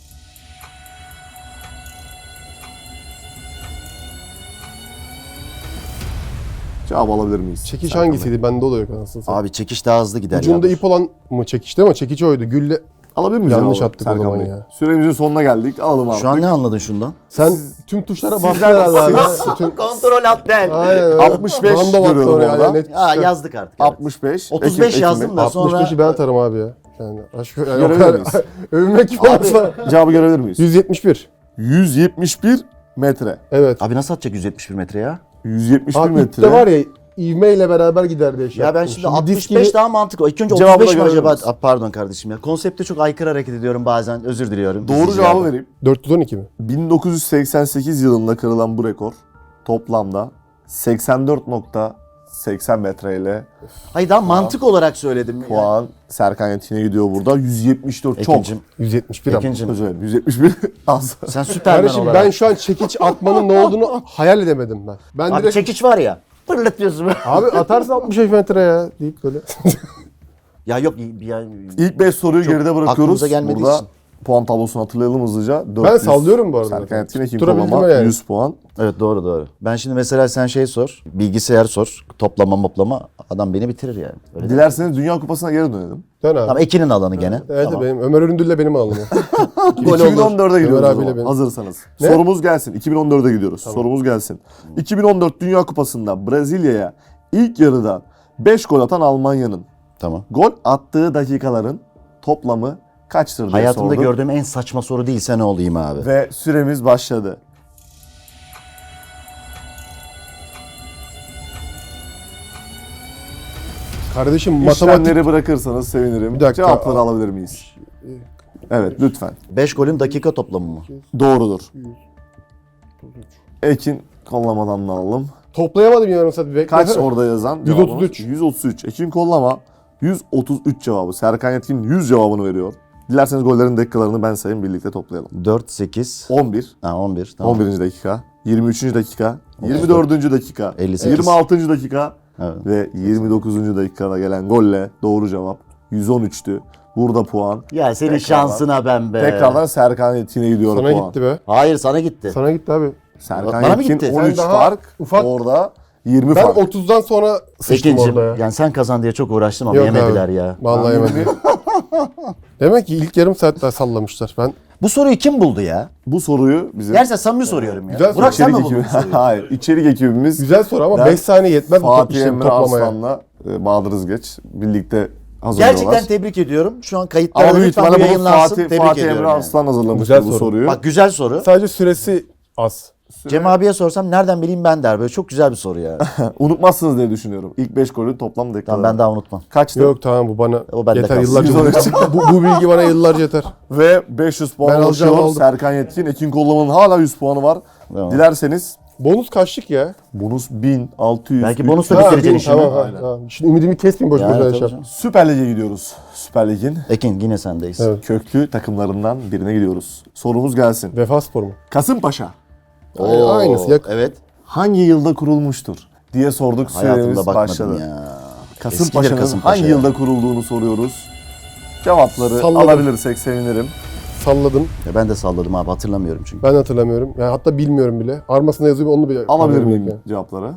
[SPEAKER 2] Cevap alabilir miyiz?
[SPEAKER 3] Çekiş
[SPEAKER 2] Serkan Bey?
[SPEAKER 3] hangisiydi? Bende o da yok anasını satayım.
[SPEAKER 1] Abi çekiç daha hızlı gider
[SPEAKER 3] Ucunda
[SPEAKER 1] ya.
[SPEAKER 3] ip olan mı çekişti ama çekiç oydu. Gülle.
[SPEAKER 2] Alabilir miyiz?
[SPEAKER 3] Yanlış
[SPEAKER 2] cevabı
[SPEAKER 3] attık o
[SPEAKER 2] Serkan
[SPEAKER 3] zaman
[SPEAKER 2] Bey?
[SPEAKER 3] ya.
[SPEAKER 2] Süremizin sonuna geldik. Alalım abi.
[SPEAKER 1] Şu an ne anladın şundan?
[SPEAKER 3] Sen tüm tuşlara bastın
[SPEAKER 2] Sizden-
[SPEAKER 3] herhalde abi.
[SPEAKER 2] siz-
[SPEAKER 3] Bütün...
[SPEAKER 1] Kontrol alt del.
[SPEAKER 3] Aynen öyle.
[SPEAKER 2] 65
[SPEAKER 3] Random attı
[SPEAKER 2] görüyorum
[SPEAKER 3] oraya,
[SPEAKER 2] orada.
[SPEAKER 3] net
[SPEAKER 1] Ya
[SPEAKER 3] tuşlar.
[SPEAKER 1] yazdık artık. Evet.
[SPEAKER 2] 65.
[SPEAKER 1] 35
[SPEAKER 2] Ekim
[SPEAKER 1] yazdım
[SPEAKER 2] Bey.
[SPEAKER 1] da sonra
[SPEAKER 3] 65'i ben atarım abi ya. Yani aşk yani o
[SPEAKER 2] Görebilir
[SPEAKER 3] kadar
[SPEAKER 2] miyiz?
[SPEAKER 3] övünmek gibi olsa.
[SPEAKER 2] Cevabı görebilir miyiz?
[SPEAKER 3] 171.
[SPEAKER 2] 171 metre.
[SPEAKER 3] Evet.
[SPEAKER 1] Abi nasıl atacak 171 metre ya?
[SPEAKER 2] 171
[SPEAKER 3] Abi
[SPEAKER 2] metre.
[SPEAKER 3] ipte var ya ivmeyle beraber gider diye şey
[SPEAKER 1] Ya ben
[SPEAKER 3] yaptım.
[SPEAKER 1] şimdi
[SPEAKER 3] disk
[SPEAKER 1] 65
[SPEAKER 3] gibi-
[SPEAKER 1] daha mantıklı. İlk önce
[SPEAKER 2] Cevabı
[SPEAKER 1] 35 mi
[SPEAKER 2] da
[SPEAKER 1] acaba?
[SPEAKER 2] görebiliriz.
[SPEAKER 1] Pardon kardeşim ya. Konsepte çok aykırı hareket ediyorum bazen. Özür diliyorum.
[SPEAKER 2] Doğru
[SPEAKER 1] İzleyicilerden.
[SPEAKER 2] cevabı vereyim.
[SPEAKER 3] 412 mi?
[SPEAKER 2] 1988 yılında kırılan bu rekor toplamda 84.80 metreyle
[SPEAKER 1] Hayır daha mantık olarak söyledim. Yani.
[SPEAKER 2] puan Serkan Yetkin'e gidiyor burada. 174 çok.
[SPEAKER 1] Ekincim.
[SPEAKER 3] 171 ama.
[SPEAKER 1] Ekincim.
[SPEAKER 2] Özür dilerim. 171 az.
[SPEAKER 1] Sen Süperman
[SPEAKER 3] Kardeşim
[SPEAKER 1] olarak.
[SPEAKER 3] ben şu an çekiç atmanın ne olduğunu hayal edemedim ben. Ben
[SPEAKER 1] Abi
[SPEAKER 3] direkt
[SPEAKER 1] çekiç var ya. Fırlatıyorsun.
[SPEAKER 3] abi atarsın 65 metre ya deyip böyle.
[SPEAKER 1] Ya yok ya,
[SPEAKER 2] İlk 5 soruyu
[SPEAKER 1] Çok
[SPEAKER 2] geride bırakıyoruz.
[SPEAKER 1] aklımıza gelmediği
[SPEAKER 2] Burada
[SPEAKER 1] için.
[SPEAKER 2] puan tablosunu hatırlayalım hızlıca.
[SPEAKER 3] Ben
[SPEAKER 2] 400.
[SPEAKER 3] sallıyorum bu arada.
[SPEAKER 2] Serkan Yetkin Ekim
[SPEAKER 3] Tutturabildim
[SPEAKER 2] Kolama
[SPEAKER 3] yani.
[SPEAKER 2] 100 puan.
[SPEAKER 1] Evet doğru. Ben şimdi mesela sen şey sor. Bilgisayar sor. Toplama moplama. Adam beni bitirir yani. Öyle değil.
[SPEAKER 2] Dilerseniz Dünya Kupası'na geri dönelim.
[SPEAKER 3] Dön abi.
[SPEAKER 1] Tamam Ekin'in alanı gene.
[SPEAKER 3] Evet
[SPEAKER 1] Tamam.
[SPEAKER 3] benim Ömer Öründül'le benim alnım o.
[SPEAKER 1] Gol olur.
[SPEAKER 2] 2014'e gidiyoruz
[SPEAKER 3] Ömer
[SPEAKER 2] o
[SPEAKER 3] abiyle
[SPEAKER 2] zaman.
[SPEAKER 3] benim.
[SPEAKER 2] Hazırsanız.
[SPEAKER 3] Ne?
[SPEAKER 2] Sorumuz gelsin. 2014'e gidiyoruz. Sorumuz gelsin. 2014 Dünya Kupası'nda Brezilya'ya ilk yarıda 5 gol atan Almanya'nın
[SPEAKER 1] Tamam.
[SPEAKER 2] gol attığı dakikaların toplamı kaçtır diye
[SPEAKER 1] Hayatımda
[SPEAKER 2] sorduk.
[SPEAKER 1] gördüğüm en saçma soru değilse ne olayım abi.
[SPEAKER 2] Ve süremiz başladı.
[SPEAKER 3] Kardeşim matematik
[SPEAKER 2] İşlemleri bırakırsanız sevinirim.
[SPEAKER 3] Bir dakika.
[SPEAKER 2] Cevapları alabilir miyiz? Evet lütfen.
[SPEAKER 1] 5 golün dakika toplamı mı?
[SPEAKER 2] Doğrudur. Ekin kollamadan da alalım.
[SPEAKER 3] toplayamadım yarım saat. Bekle.
[SPEAKER 2] Kaç orada yazan?
[SPEAKER 3] 133.
[SPEAKER 2] Cevabımız 133. Ekin kollama 133 cevabı. Serkan Yetkin 100 cevabını veriyor. Dilerseniz gollerin dakikalarını ben sayayım birlikte toplayalım.
[SPEAKER 1] 4, 8,
[SPEAKER 2] 11.
[SPEAKER 1] ha 11. Tamam.
[SPEAKER 2] 11. dakika. 23. dakika, 24. dakika,
[SPEAKER 1] 58.
[SPEAKER 2] 26. dakika
[SPEAKER 1] Evet.
[SPEAKER 2] ve 29. dakikada gelen golle doğru cevap 113'tü. Burada puan.
[SPEAKER 1] Ya senin
[SPEAKER 2] Tekrardan-
[SPEAKER 1] şansına ben be.
[SPEAKER 2] Tekrardan Serkan Yetkin'e gidiyor
[SPEAKER 3] Sana
[SPEAKER 2] puan.
[SPEAKER 3] gitti be.
[SPEAKER 1] Hayır sana gitti.
[SPEAKER 3] Sana gitti abi.
[SPEAKER 2] Serkan
[SPEAKER 1] Bana mı
[SPEAKER 2] Yetkin
[SPEAKER 1] gitti?
[SPEAKER 2] 13
[SPEAKER 3] Sen daha
[SPEAKER 2] fark,
[SPEAKER 3] ufak-
[SPEAKER 2] orada 20
[SPEAKER 3] Ben
[SPEAKER 2] fark.
[SPEAKER 3] 30'dan sonra sıçtım
[SPEAKER 1] Ekincim,
[SPEAKER 3] orada ya.
[SPEAKER 1] yani sen kazan diye çok uğraştım ama
[SPEAKER 3] Yok
[SPEAKER 1] yemediler
[SPEAKER 3] abi.
[SPEAKER 1] ya.
[SPEAKER 3] Vallahi yemedim. Demek ki ilk yarım saat daha sallamışlar. Ben
[SPEAKER 1] Bu soruyu kim buldu ya?
[SPEAKER 2] Bu soruyu bizim
[SPEAKER 1] Gerçekten samimi soruyorum ya.
[SPEAKER 3] Güzel soru.
[SPEAKER 1] Burak sen mi
[SPEAKER 2] içerik
[SPEAKER 1] buldun
[SPEAKER 2] ekibi,
[SPEAKER 1] bu soruyu?
[SPEAKER 2] hayır, içerik ekibimiz
[SPEAKER 3] güzel soru ama
[SPEAKER 2] Ben
[SPEAKER 3] 5 saniye yetmez bu top
[SPEAKER 2] Fatih
[SPEAKER 3] işlemi
[SPEAKER 2] Emre
[SPEAKER 3] toplamaya.
[SPEAKER 2] Arslan'la Bahadır Özgeç birlikte hazırlıyorlar.
[SPEAKER 1] Gerçekten tebrik ediyorum. Şu an kayıtlarda
[SPEAKER 2] Ama büyük
[SPEAKER 1] lütfen bu
[SPEAKER 2] ihtimalle bunu
[SPEAKER 1] yayınlansın. Tebrik
[SPEAKER 2] Fatih
[SPEAKER 1] ediyorum
[SPEAKER 2] Emre
[SPEAKER 1] yani.
[SPEAKER 2] Arslan hazırlamıştı
[SPEAKER 3] Güzel
[SPEAKER 2] bu
[SPEAKER 3] soru.
[SPEAKER 2] soruyu.
[SPEAKER 1] Bak güzel soru.
[SPEAKER 3] Sadece süresi az.
[SPEAKER 1] Cem abiye sorsam nereden bileyim ben der. Böyle çok güzel bir soru ya.
[SPEAKER 2] Unutmazsınız diye düşünüyorum. İlk 5 golün toplam dakikaları.
[SPEAKER 1] Tamam ben daha unutmam.
[SPEAKER 2] Kaçtı?
[SPEAKER 3] Yok tamam bu bana
[SPEAKER 1] O bende
[SPEAKER 3] yeter
[SPEAKER 1] kalsın.
[SPEAKER 3] yıllarca. bu bilgi bana yıllarca yeter.
[SPEAKER 2] Ve 500 puan
[SPEAKER 3] Ben alacağım,
[SPEAKER 2] ulaşıyor.
[SPEAKER 3] aldım.
[SPEAKER 2] Serkan Yetkin, Ekin Kollaman'ın hala 100 puanı var.
[SPEAKER 1] Tamam.
[SPEAKER 2] Dilerseniz
[SPEAKER 3] Bonus kaçlık ya?
[SPEAKER 2] bonus 1600.
[SPEAKER 1] Belki bonusla
[SPEAKER 3] Ha,
[SPEAKER 1] bitireceksin
[SPEAKER 3] bin,
[SPEAKER 1] işini.
[SPEAKER 3] tamam, ha, tamam. Şimdi ümidimi kesmeyin boş
[SPEAKER 1] Yani
[SPEAKER 3] boşuna
[SPEAKER 1] tabii
[SPEAKER 3] yaşam.
[SPEAKER 1] canım.
[SPEAKER 2] Süper Lig'e gidiyoruz. Süper Lig'in
[SPEAKER 1] Ekin yine sendeyiz.
[SPEAKER 3] Evet.
[SPEAKER 2] köklü takımlarından birine gidiyoruz. Sorumuz gelsin.
[SPEAKER 3] Vefa Spor mu?
[SPEAKER 2] Kasımpaşa
[SPEAKER 1] Oo,
[SPEAKER 3] Aynısı, yakın.
[SPEAKER 1] Evet.
[SPEAKER 2] hangi yılda kurulmuştur diye sorduk.
[SPEAKER 1] Hayatımda
[SPEAKER 2] Süremiz
[SPEAKER 1] bakmadım
[SPEAKER 2] başladı.
[SPEAKER 1] ya.
[SPEAKER 2] Kasımpaşa'nın
[SPEAKER 1] Eskidir Kasımpaşa
[SPEAKER 2] hangi
[SPEAKER 1] ya.
[SPEAKER 2] yılda kurulduğunu soruyoruz. Cevapları
[SPEAKER 3] Salladım.
[SPEAKER 2] alabilirsek sevinirim.
[SPEAKER 3] Salladım.
[SPEAKER 1] Ya ben de salladım abi hatırlamıyorum çünkü.
[SPEAKER 3] Ben hatırlamıyorum. Yani hatta bilmiyorum bile. Armasında yazıyor onu bile.
[SPEAKER 2] Alabilir
[SPEAKER 3] haberim
[SPEAKER 2] miyim
[SPEAKER 3] yok yani.
[SPEAKER 2] cevapları?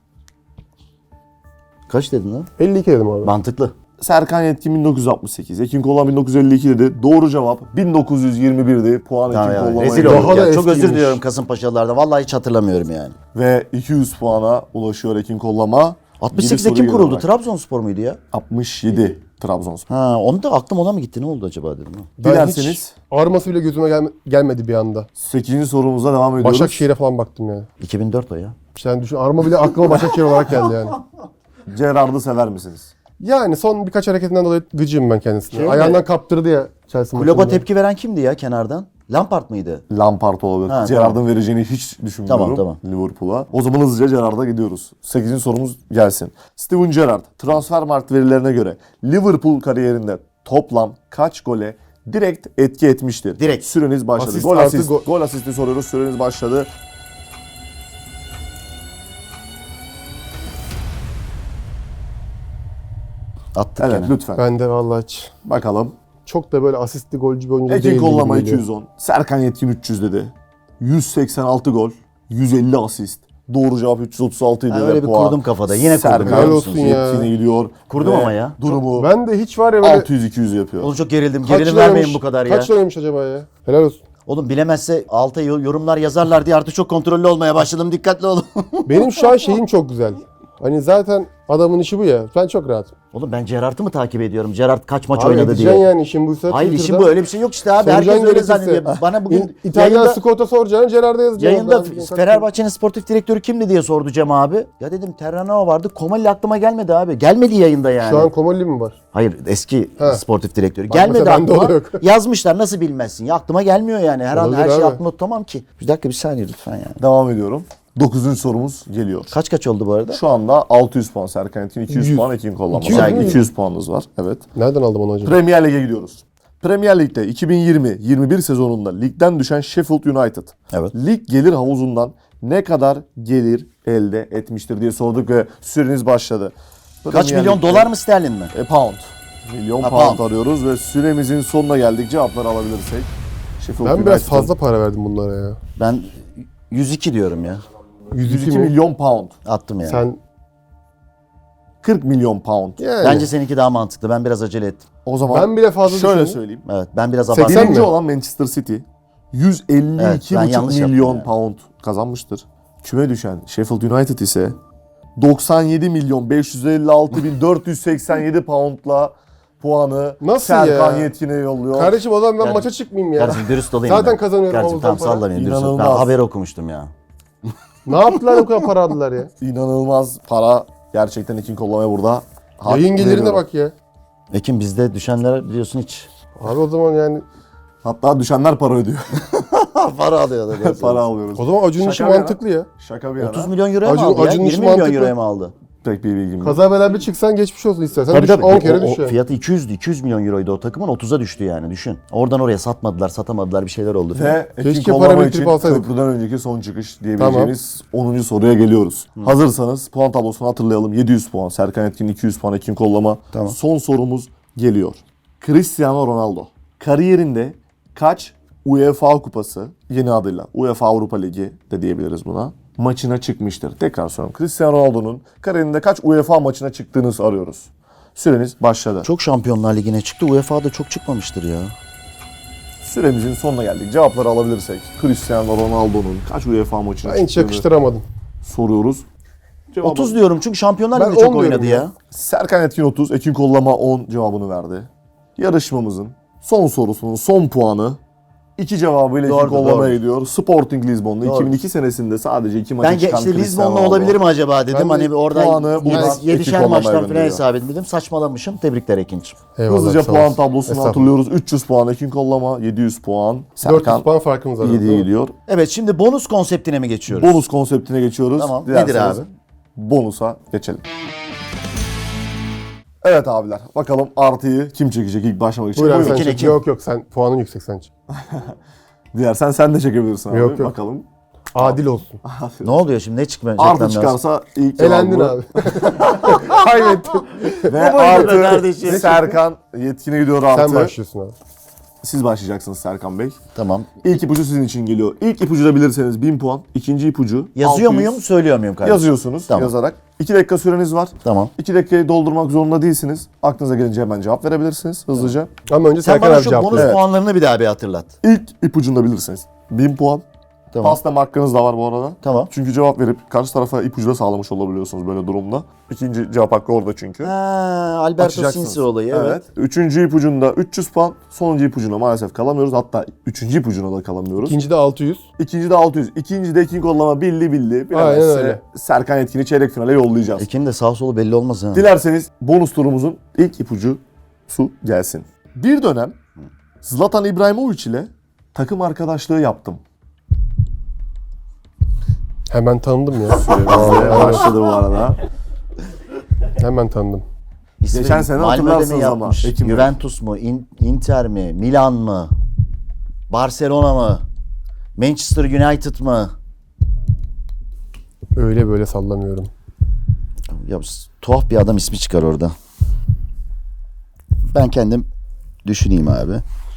[SPEAKER 1] Kaç dedin lan?
[SPEAKER 3] 52 dedim abi.
[SPEAKER 1] Mantıklı.
[SPEAKER 2] Serkan Yetkin 1968, Ekin Kollan 1952 dedi. Doğru cevap 1921'di. Puan
[SPEAKER 1] Ya,
[SPEAKER 2] Ekin
[SPEAKER 1] ya,
[SPEAKER 2] Kollan'a
[SPEAKER 1] rezil
[SPEAKER 2] gidiyor.
[SPEAKER 1] olduk
[SPEAKER 3] Daha da
[SPEAKER 1] ya. Çok özür
[SPEAKER 3] eskiymiş.
[SPEAKER 1] diliyorum Kasımpaşalılardan. Vallahi hiç hatırlamıyorum yani.
[SPEAKER 2] Ve 200 puana ulaşıyor Ekin Kollama.
[SPEAKER 1] 68'de
[SPEAKER 2] Yedi
[SPEAKER 1] kim
[SPEAKER 2] soru
[SPEAKER 1] kuruldu?
[SPEAKER 2] geride
[SPEAKER 1] Trabzonspor muydu ya?
[SPEAKER 2] bırak. 67 Trabzonspor.
[SPEAKER 1] Ha, onu da aklım ona mı gitti? Ne oldu acaba dedim. ha.
[SPEAKER 3] Ben
[SPEAKER 2] Dilerseniz
[SPEAKER 3] hiç arması bile gözüme gelmedi bir anda.
[SPEAKER 2] 8. sorumuza devam ediyoruz.
[SPEAKER 3] Başakşehir'e falan baktım yani.
[SPEAKER 1] 2004 o ya.
[SPEAKER 3] Sen düşün arma bile aklıma Başakşehir olarak geldi yani.
[SPEAKER 2] Gerard'ı sever misiniz?
[SPEAKER 3] Yani son birkaç hareketinden dolayı gıcığım ben kendisine.
[SPEAKER 1] Şey mi?
[SPEAKER 3] Ayağından kaptırdı ya Chelsea
[SPEAKER 1] Kulübe
[SPEAKER 3] maçında.
[SPEAKER 1] tepki veren kimdi ya kenardan? Lampard mıydı?
[SPEAKER 2] Lampard olabilir.
[SPEAKER 1] Ha,
[SPEAKER 2] Gerard'ın vereceğini hiç düşünmüyorum
[SPEAKER 1] Tamam.
[SPEAKER 2] Liverpool'a. O zaman hızlıca Gerard'a gidiyoruz. 8. sorumuz gelsin. Steven Gerrard Transfermarkt verilerine göre Liverpool kariyerinde toplam kaç gole direkt etki etmiştir?
[SPEAKER 1] Direkt.
[SPEAKER 2] Süreniz başladı.
[SPEAKER 3] Asist
[SPEAKER 2] Gol
[SPEAKER 3] artı
[SPEAKER 2] asist.
[SPEAKER 3] gol.
[SPEAKER 2] Gol asisti soruyoruz. Süreniz başladı.
[SPEAKER 1] Attık
[SPEAKER 2] Evet
[SPEAKER 1] gene.
[SPEAKER 2] lütfen.
[SPEAKER 3] Ben de vallahi hiç.
[SPEAKER 2] Bakalım.
[SPEAKER 3] Çok da böyle asistli golcü bir oyuncu
[SPEAKER 2] Ekin
[SPEAKER 3] değil gibi
[SPEAKER 2] Kollama
[SPEAKER 3] geliyor.
[SPEAKER 2] 210. Serkan Yetkin 300 dedi. 186 gol. 150 asist. Doğru cevap 336 idi.
[SPEAKER 1] Ha,
[SPEAKER 2] ve
[SPEAKER 1] öyle bir
[SPEAKER 2] puan
[SPEAKER 1] kurdum kafada. Yine kurdum.
[SPEAKER 2] Serkan
[SPEAKER 3] Helal olsun ya.
[SPEAKER 2] Yetkin'e gidiyor.
[SPEAKER 1] Kurdum
[SPEAKER 2] Ve
[SPEAKER 1] ama ya.
[SPEAKER 2] Durumu
[SPEAKER 3] Ben de hiç var ya böyle
[SPEAKER 2] 600-200 yapıyor.
[SPEAKER 1] Oğlum çok gerildim.
[SPEAKER 3] kaç
[SPEAKER 1] Gerilim
[SPEAKER 3] liraymış-
[SPEAKER 1] vermeyin bu kadar ya.
[SPEAKER 3] Kaç liraymış acaba ya? Helal olsun.
[SPEAKER 1] Oğlum bilemezse alta yorumlar yazarlar diye artık çok kontrollü olmaya başladım. Dikkatli olun.
[SPEAKER 3] Benim şu an şeyim çok güzel. Hani zaten adamın işi bu ya. Ben çok rahatım.
[SPEAKER 1] Oğlum ben Gerrard'ı mı takip ediyorum? Gerrard kaç maç
[SPEAKER 3] Abi
[SPEAKER 1] oynadı
[SPEAKER 3] edeceksin
[SPEAKER 1] diye.
[SPEAKER 3] yani işin buysa.
[SPEAKER 1] Hayır işin
[SPEAKER 3] Twitter'da
[SPEAKER 1] bu öyle bir şey yok işte abi.
[SPEAKER 3] soracaksın
[SPEAKER 1] Herkes öyle
[SPEAKER 3] gerekirse.
[SPEAKER 1] zannediyor. Bana bugün
[SPEAKER 3] İtalyan
[SPEAKER 1] yayında,
[SPEAKER 3] Scott'a soracaksın, Gerard'a yazacaksın.
[SPEAKER 1] yayında
[SPEAKER 3] Ben-
[SPEAKER 1] Fenerbahçe'nin sportif direktörü kimdi diye sordu Cem abi. Ya dedim Terranova vardı. Komali aklıma gelmedi abi. Gelmedi yayında yani.
[SPEAKER 3] Şu an Komolli mi var?
[SPEAKER 1] Hayır eski
[SPEAKER 3] Ha.
[SPEAKER 1] sportif direktörü.
[SPEAKER 3] Bak
[SPEAKER 1] Gelmedi
[SPEAKER 3] mesela bende
[SPEAKER 1] aklıma.
[SPEAKER 3] o yok.
[SPEAKER 1] Yazmışlar nasıl bilmezsin. Ya aklıma gelmiyor yani. Her an
[SPEAKER 3] Olabilir
[SPEAKER 1] her şey
[SPEAKER 3] abi.
[SPEAKER 1] aklımda tutamam ki. Bir dakika bir saniye lütfen ya.
[SPEAKER 2] Devam ediyorum. 9. sorumuz geliyor.
[SPEAKER 1] Kaç oldu bu arada?
[SPEAKER 2] Şu anda 600 puan Serkan Yetkin, 200
[SPEAKER 3] 100.
[SPEAKER 2] puan Ekin Kollama.
[SPEAKER 3] 200
[SPEAKER 2] Yani
[SPEAKER 3] mi?
[SPEAKER 2] 200 puanınız var. Evet.
[SPEAKER 3] Nereden aldım onu acaba?
[SPEAKER 2] Premier Lig'e gidiyoruz. Premier Lig'de 2020-21 sezonunda ligden düşen Sheffield United.
[SPEAKER 1] Evet.
[SPEAKER 2] Lig gelir havuzundan ne kadar gelir elde etmiştir diye sorduk ve süreniz başladı.
[SPEAKER 1] Kaç
[SPEAKER 2] Premier
[SPEAKER 1] milyon
[SPEAKER 2] Lig'de-
[SPEAKER 1] dolar mı sterlin mi?
[SPEAKER 2] Pound. Milyon
[SPEAKER 1] Ha,
[SPEAKER 2] pound
[SPEAKER 1] pound.
[SPEAKER 2] arıyoruz ve süremizin sonuna geldik. Cevapları alabilirsek. Sheffield
[SPEAKER 3] Ben biraz
[SPEAKER 2] United'ın
[SPEAKER 3] fazla para verdim bunlara ya.
[SPEAKER 1] Ben 102 diyorum ya.
[SPEAKER 2] 102
[SPEAKER 3] mi?
[SPEAKER 2] milyon pound.
[SPEAKER 1] Attım yani.
[SPEAKER 3] Sen
[SPEAKER 2] 40 milyon pound.
[SPEAKER 3] yani.
[SPEAKER 1] Bence seninki daha mantıklı. Ben biraz acele ettim.
[SPEAKER 2] O zaman
[SPEAKER 3] Ben bile fazla
[SPEAKER 2] şöyle
[SPEAKER 3] düşündüm.
[SPEAKER 2] söyleyeyim.
[SPEAKER 1] Evet ben biraz
[SPEAKER 3] 80
[SPEAKER 1] abarttım.
[SPEAKER 2] Birinci
[SPEAKER 3] mi?
[SPEAKER 2] olan Manchester City
[SPEAKER 1] Evet,
[SPEAKER 2] 152,5
[SPEAKER 1] ben yanlış yaptım
[SPEAKER 2] milyon
[SPEAKER 1] ya.
[SPEAKER 2] pound kazanmıştır. Küme düşen Sheffield United ise 97 milyon 556 bin 487 poundla puanı
[SPEAKER 3] Nasıl
[SPEAKER 2] Serkan
[SPEAKER 3] ya?
[SPEAKER 2] Yetkin'e yolluyor.
[SPEAKER 3] Kardeşim o zaman ben
[SPEAKER 1] Yani-
[SPEAKER 3] maça çıkmayayım ya.
[SPEAKER 1] Kardeşim dürüst olayım
[SPEAKER 3] Zaten
[SPEAKER 1] ben.
[SPEAKER 3] kazanıyorum
[SPEAKER 1] Kardeşim
[SPEAKER 3] havuzdan
[SPEAKER 1] tamam
[SPEAKER 3] para.
[SPEAKER 1] sallamayın dürüst olun.
[SPEAKER 2] İnanılmaz.
[SPEAKER 1] Ben haberi okumuştum ya.
[SPEAKER 3] Ne yaptılar o kadar para aldılar ya?
[SPEAKER 2] İnanılmaz para gerçekten Ekin Kollama'ya burada. hak
[SPEAKER 3] Yayın gelirine
[SPEAKER 2] veriyorum.
[SPEAKER 3] bak ya.
[SPEAKER 1] Ekim bizde düşenler biliyorsun hiç.
[SPEAKER 3] Abi o zaman yani
[SPEAKER 2] Hatta düşenler para ödüyor.
[SPEAKER 1] Para alıyor da.
[SPEAKER 2] para alıyoruz.
[SPEAKER 3] o zaman Acun'un işi
[SPEAKER 2] Şaka bir yana.
[SPEAKER 3] mantıklı ya.
[SPEAKER 2] Şaka bir yana.
[SPEAKER 1] 30 milyon euroya mı
[SPEAKER 3] Acun-
[SPEAKER 1] aldı ya?
[SPEAKER 3] Acun'un
[SPEAKER 1] 20
[SPEAKER 3] işi
[SPEAKER 1] milyon
[SPEAKER 3] mantıklı.
[SPEAKER 1] euroya mı aldı?
[SPEAKER 2] Pek bir bilgim yok.
[SPEAKER 3] Kaza bela bir çıksan geçmiş olsun istersen.
[SPEAKER 1] Tabii
[SPEAKER 3] Düş,
[SPEAKER 1] tabii.
[SPEAKER 3] 10 kere
[SPEAKER 1] O
[SPEAKER 3] düş yani.
[SPEAKER 1] fiyatı 200 milyon euroydu o takımın, 30'a düştü yani, düşün. Oradan oraya satmadılar, satamadılar, bir şeyler oldu.
[SPEAKER 2] Ve Ekin
[SPEAKER 3] Keşke
[SPEAKER 2] Kollama
[SPEAKER 3] para
[SPEAKER 2] için
[SPEAKER 3] biriktirip alsaydık.
[SPEAKER 2] köprüden önceki son çıkış diyebileceğimiz 10. soruya geliyoruz. Hazırsanız puan tablosunu hatırlayalım. 700 puan Serkan Etkin, 200 puan Ekin Kollama.
[SPEAKER 1] Tamam.
[SPEAKER 2] Son sorumuz geliyor. Cristiano Ronaldo kariyerinde kaç UEFA kupası, yeni adıyla UEFA Avrupa Ligi de diyebiliriz buna, maçına çıkmıştır? Tekrar soruyorum. Cristiano Ronaldo'nun kariyerinde kaç UEFA maçına çıktığını arıyoruz. Süreniz başladı.
[SPEAKER 1] Çok Şampiyonlar Ligi'ne çıktı. UEFA'da çok çıkmamıştır ya.
[SPEAKER 2] Süremizin sonuna geldik. Cevapları alabilirsek Cristiano Ronaldo'nun kaç UEFA maçına
[SPEAKER 3] Ben hiç
[SPEAKER 2] çıktığını
[SPEAKER 3] yakıştıramadım.
[SPEAKER 2] soruyoruz. Cevabı
[SPEAKER 1] 30 diyorum çünkü Şampiyonlar
[SPEAKER 3] Ben
[SPEAKER 1] Ligi'de çok
[SPEAKER 3] 10 diyorum
[SPEAKER 1] oynadı
[SPEAKER 3] ya.
[SPEAKER 1] ya.
[SPEAKER 2] Serkan Etkin 30, Ekin Kollama 10 cevabını verdi. Yarışmamızın son sorusunun son puanı 2 cevabıyla Ekin
[SPEAKER 1] Doğrudur,
[SPEAKER 2] Kollama'ya
[SPEAKER 1] doğrudur.
[SPEAKER 2] gidiyor. Sporting Lisbon'da
[SPEAKER 1] Doğru.
[SPEAKER 2] 2002 senesinde sadece 2 maça
[SPEAKER 1] Ben
[SPEAKER 2] çıkan
[SPEAKER 1] işte
[SPEAKER 2] Cristiano
[SPEAKER 1] Lizbon'la
[SPEAKER 2] Ronaldo.
[SPEAKER 1] olabilir mi acaba dedim.
[SPEAKER 3] Ben de
[SPEAKER 1] Hani orada
[SPEAKER 2] puanı buradan Ekin
[SPEAKER 1] 7'şer
[SPEAKER 2] Kollama'ya
[SPEAKER 1] maçtan falan
[SPEAKER 2] gönderiyor.
[SPEAKER 1] hesap etmedim. Saçmalamışım. Tebrikler Ekin'ciğim.
[SPEAKER 3] Eyvallah,
[SPEAKER 2] Hızlıca
[SPEAKER 3] sağ
[SPEAKER 2] puan
[SPEAKER 3] olasın.
[SPEAKER 2] tablosunu
[SPEAKER 3] Estağfurullah.
[SPEAKER 2] hatırlıyoruz. 300 puan Ekin Kollama, 700 puan
[SPEAKER 3] 400
[SPEAKER 2] Serkan
[SPEAKER 3] puan farkımız var.
[SPEAKER 2] 7
[SPEAKER 3] değil mi?
[SPEAKER 2] geliyor.
[SPEAKER 1] Evet, şimdi bonus konseptine mi geçiyoruz?
[SPEAKER 2] Bonus konseptine geçiyoruz.
[SPEAKER 1] Tamam.
[SPEAKER 2] Dilerseniz
[SPEAKER 1] Nedir abi?
[SPEAKER 2] Bonusa geçelim. Evet abiler. Bakalım artıyı kim çekecek ilk başlamak için?
[SPEAKER 3] Buyur abi
[SPEAKER 2] Buyurun.
[SPEAKER 3] sen
[SPEAKER 1] Ekin,
[SPEAKER 3] çek.
[SPEAKER 1] Ekin.
[SPEAKER 3] Yok sen puanın yüksek sen çek.
[SPEAKER 2] Dilersen sen de çekebilirsin abi.
[SPEAKER 3] Yok, yok.
[SPEAKER 2] Bakalım.
[SPEAKER 3] Adil olsun.
[SPEAKER 1] Ne oluyor şimdi? Ne çıkmayacak?
[SPEAKER 2] Artı çıkarsa ilk
[SPEAKER 3] Elendin
[SPEAKER 2] cevabı
[SPEAKER 3] abi. Kaybettin.
[SPEAKER 2] ve
[SPEAKER 1] Bu boyutta
[SPEAKER 2] artı
[SPEAKER 1] kardeşim.
[SPEAKER 2] Serkan Yetkin'e gidiyor artı.
[SPEAKER 3] Sen başlıyorsun abi.
[SPEAKER 2] Siz başlayacaksınız Serkan Bey.
[SPEAKER 1] Tamam.
[SPEAKER 2] İlk ipucu sizin için geliyor. İlk ipucu da bilirseniz 1000 puan. İkinci ipucu
[SPEAKER 1] Yazıyor
[SPEAKER 2] 600.
[SPEAKER 1] muyum, söylüyor muyum kardeşim?
[SPEAKER 2] Yazıyorsunuz
[SPEAKER 1] Tamam.
[SPEAKER 2] yazarak. 2 dakika süreniz var.
[SPEAKER 1] Tamam.
[SPEAKER 2] 2 dakikayı doldurmak zorunda değilsiniz. Aklınıza gelince hemen cevap verebilirsiniz hızlıca.
[SPEAKER 3] Ama önce
[SPEAKER 1] Sen
[SPEAKER 3] Serkan
[SPEAKER 1] bana
[SPEAKER 3] abi
[SPEAKER 1] şu
[SPEAKER 3] cevap
[SPEAKER 1] bonus
[SPEAKER 3] ver.
[SPEAKER 2] Evet.
[SPEAKER 1] puanlarını bir daha bir hatırlat.
[SPEAKER 2] İlk ipucunu da bilirsiniz. 1000 puan.
[SPEAKER 1] Tamam.
[SPEAKER 2] Paslama hakkınız da var bu arada.
[SPEAKER 1] Tamam.
[SPEAKER 2] Çünkü cevap verip karşı tarafa ipucu da sağlamış olabiliyorsunuz böyle durumda. İkinci cevap hakkı orada çünkü.
[SPEAKER 1] Ha, Alberto
[SPEAKER 2] Açacaksınız.
[SPEAKER 1] Sinsi olayı, evet.
[SPEAKER 2] Üçüncü ipucunda 300 puan. Sonuncu ipucuna maalesef kalamıyoruz. Hatta üçüncü ipucuna da kalamıyoruz.
[SPEAKER 3] İkinci de 600.
[SPEAKER 2] İkinci de 600. İkinci de Ekin Kollama bildi.
[SPEAKER 3] Aynen
[SPEAKER 2] Bilemezse
[SPEAKER 3] öyle.
[SPEAKER 2] Serkan Etkin'i çeyrek finale yollayacağız.
[SPEAKER 1] Ekin'in de sağ solu belli olmaz ha.
[SPEAKER 2] Dilerseniz bonus turumuzun ilk ipucu su gelsin. Bir dönem Zlatan İbrahimovic ile takım arkadaşlığı yaptım.
[SPEAKER 3] Hemen tanıdım ya.
[SPEAKER 2] Başladı bu arada.
[SPEAKER 3] Hemen tanıdım.
[SPEAKER 1] İsmi
[SPEAKER 2] Geçen sene
[SPEAKER 1] Malmö'de mi
[SPEAKER 2] hatırlarsınız ama,
[SPEAKER 1] yapmış?
[SPEAKER 2] Ekim Bey.
[SPEAKER 1] Juventus mu? Inter mi? Milan mı? Barcelona mı? Manchester United mı?
[SPEAKER 3] Öyle böyle sallamıyorum.
[SPEAKER 1] Ya tuhaf bir adam ismi çıkar orada. Ben kendim düşüneyim abi.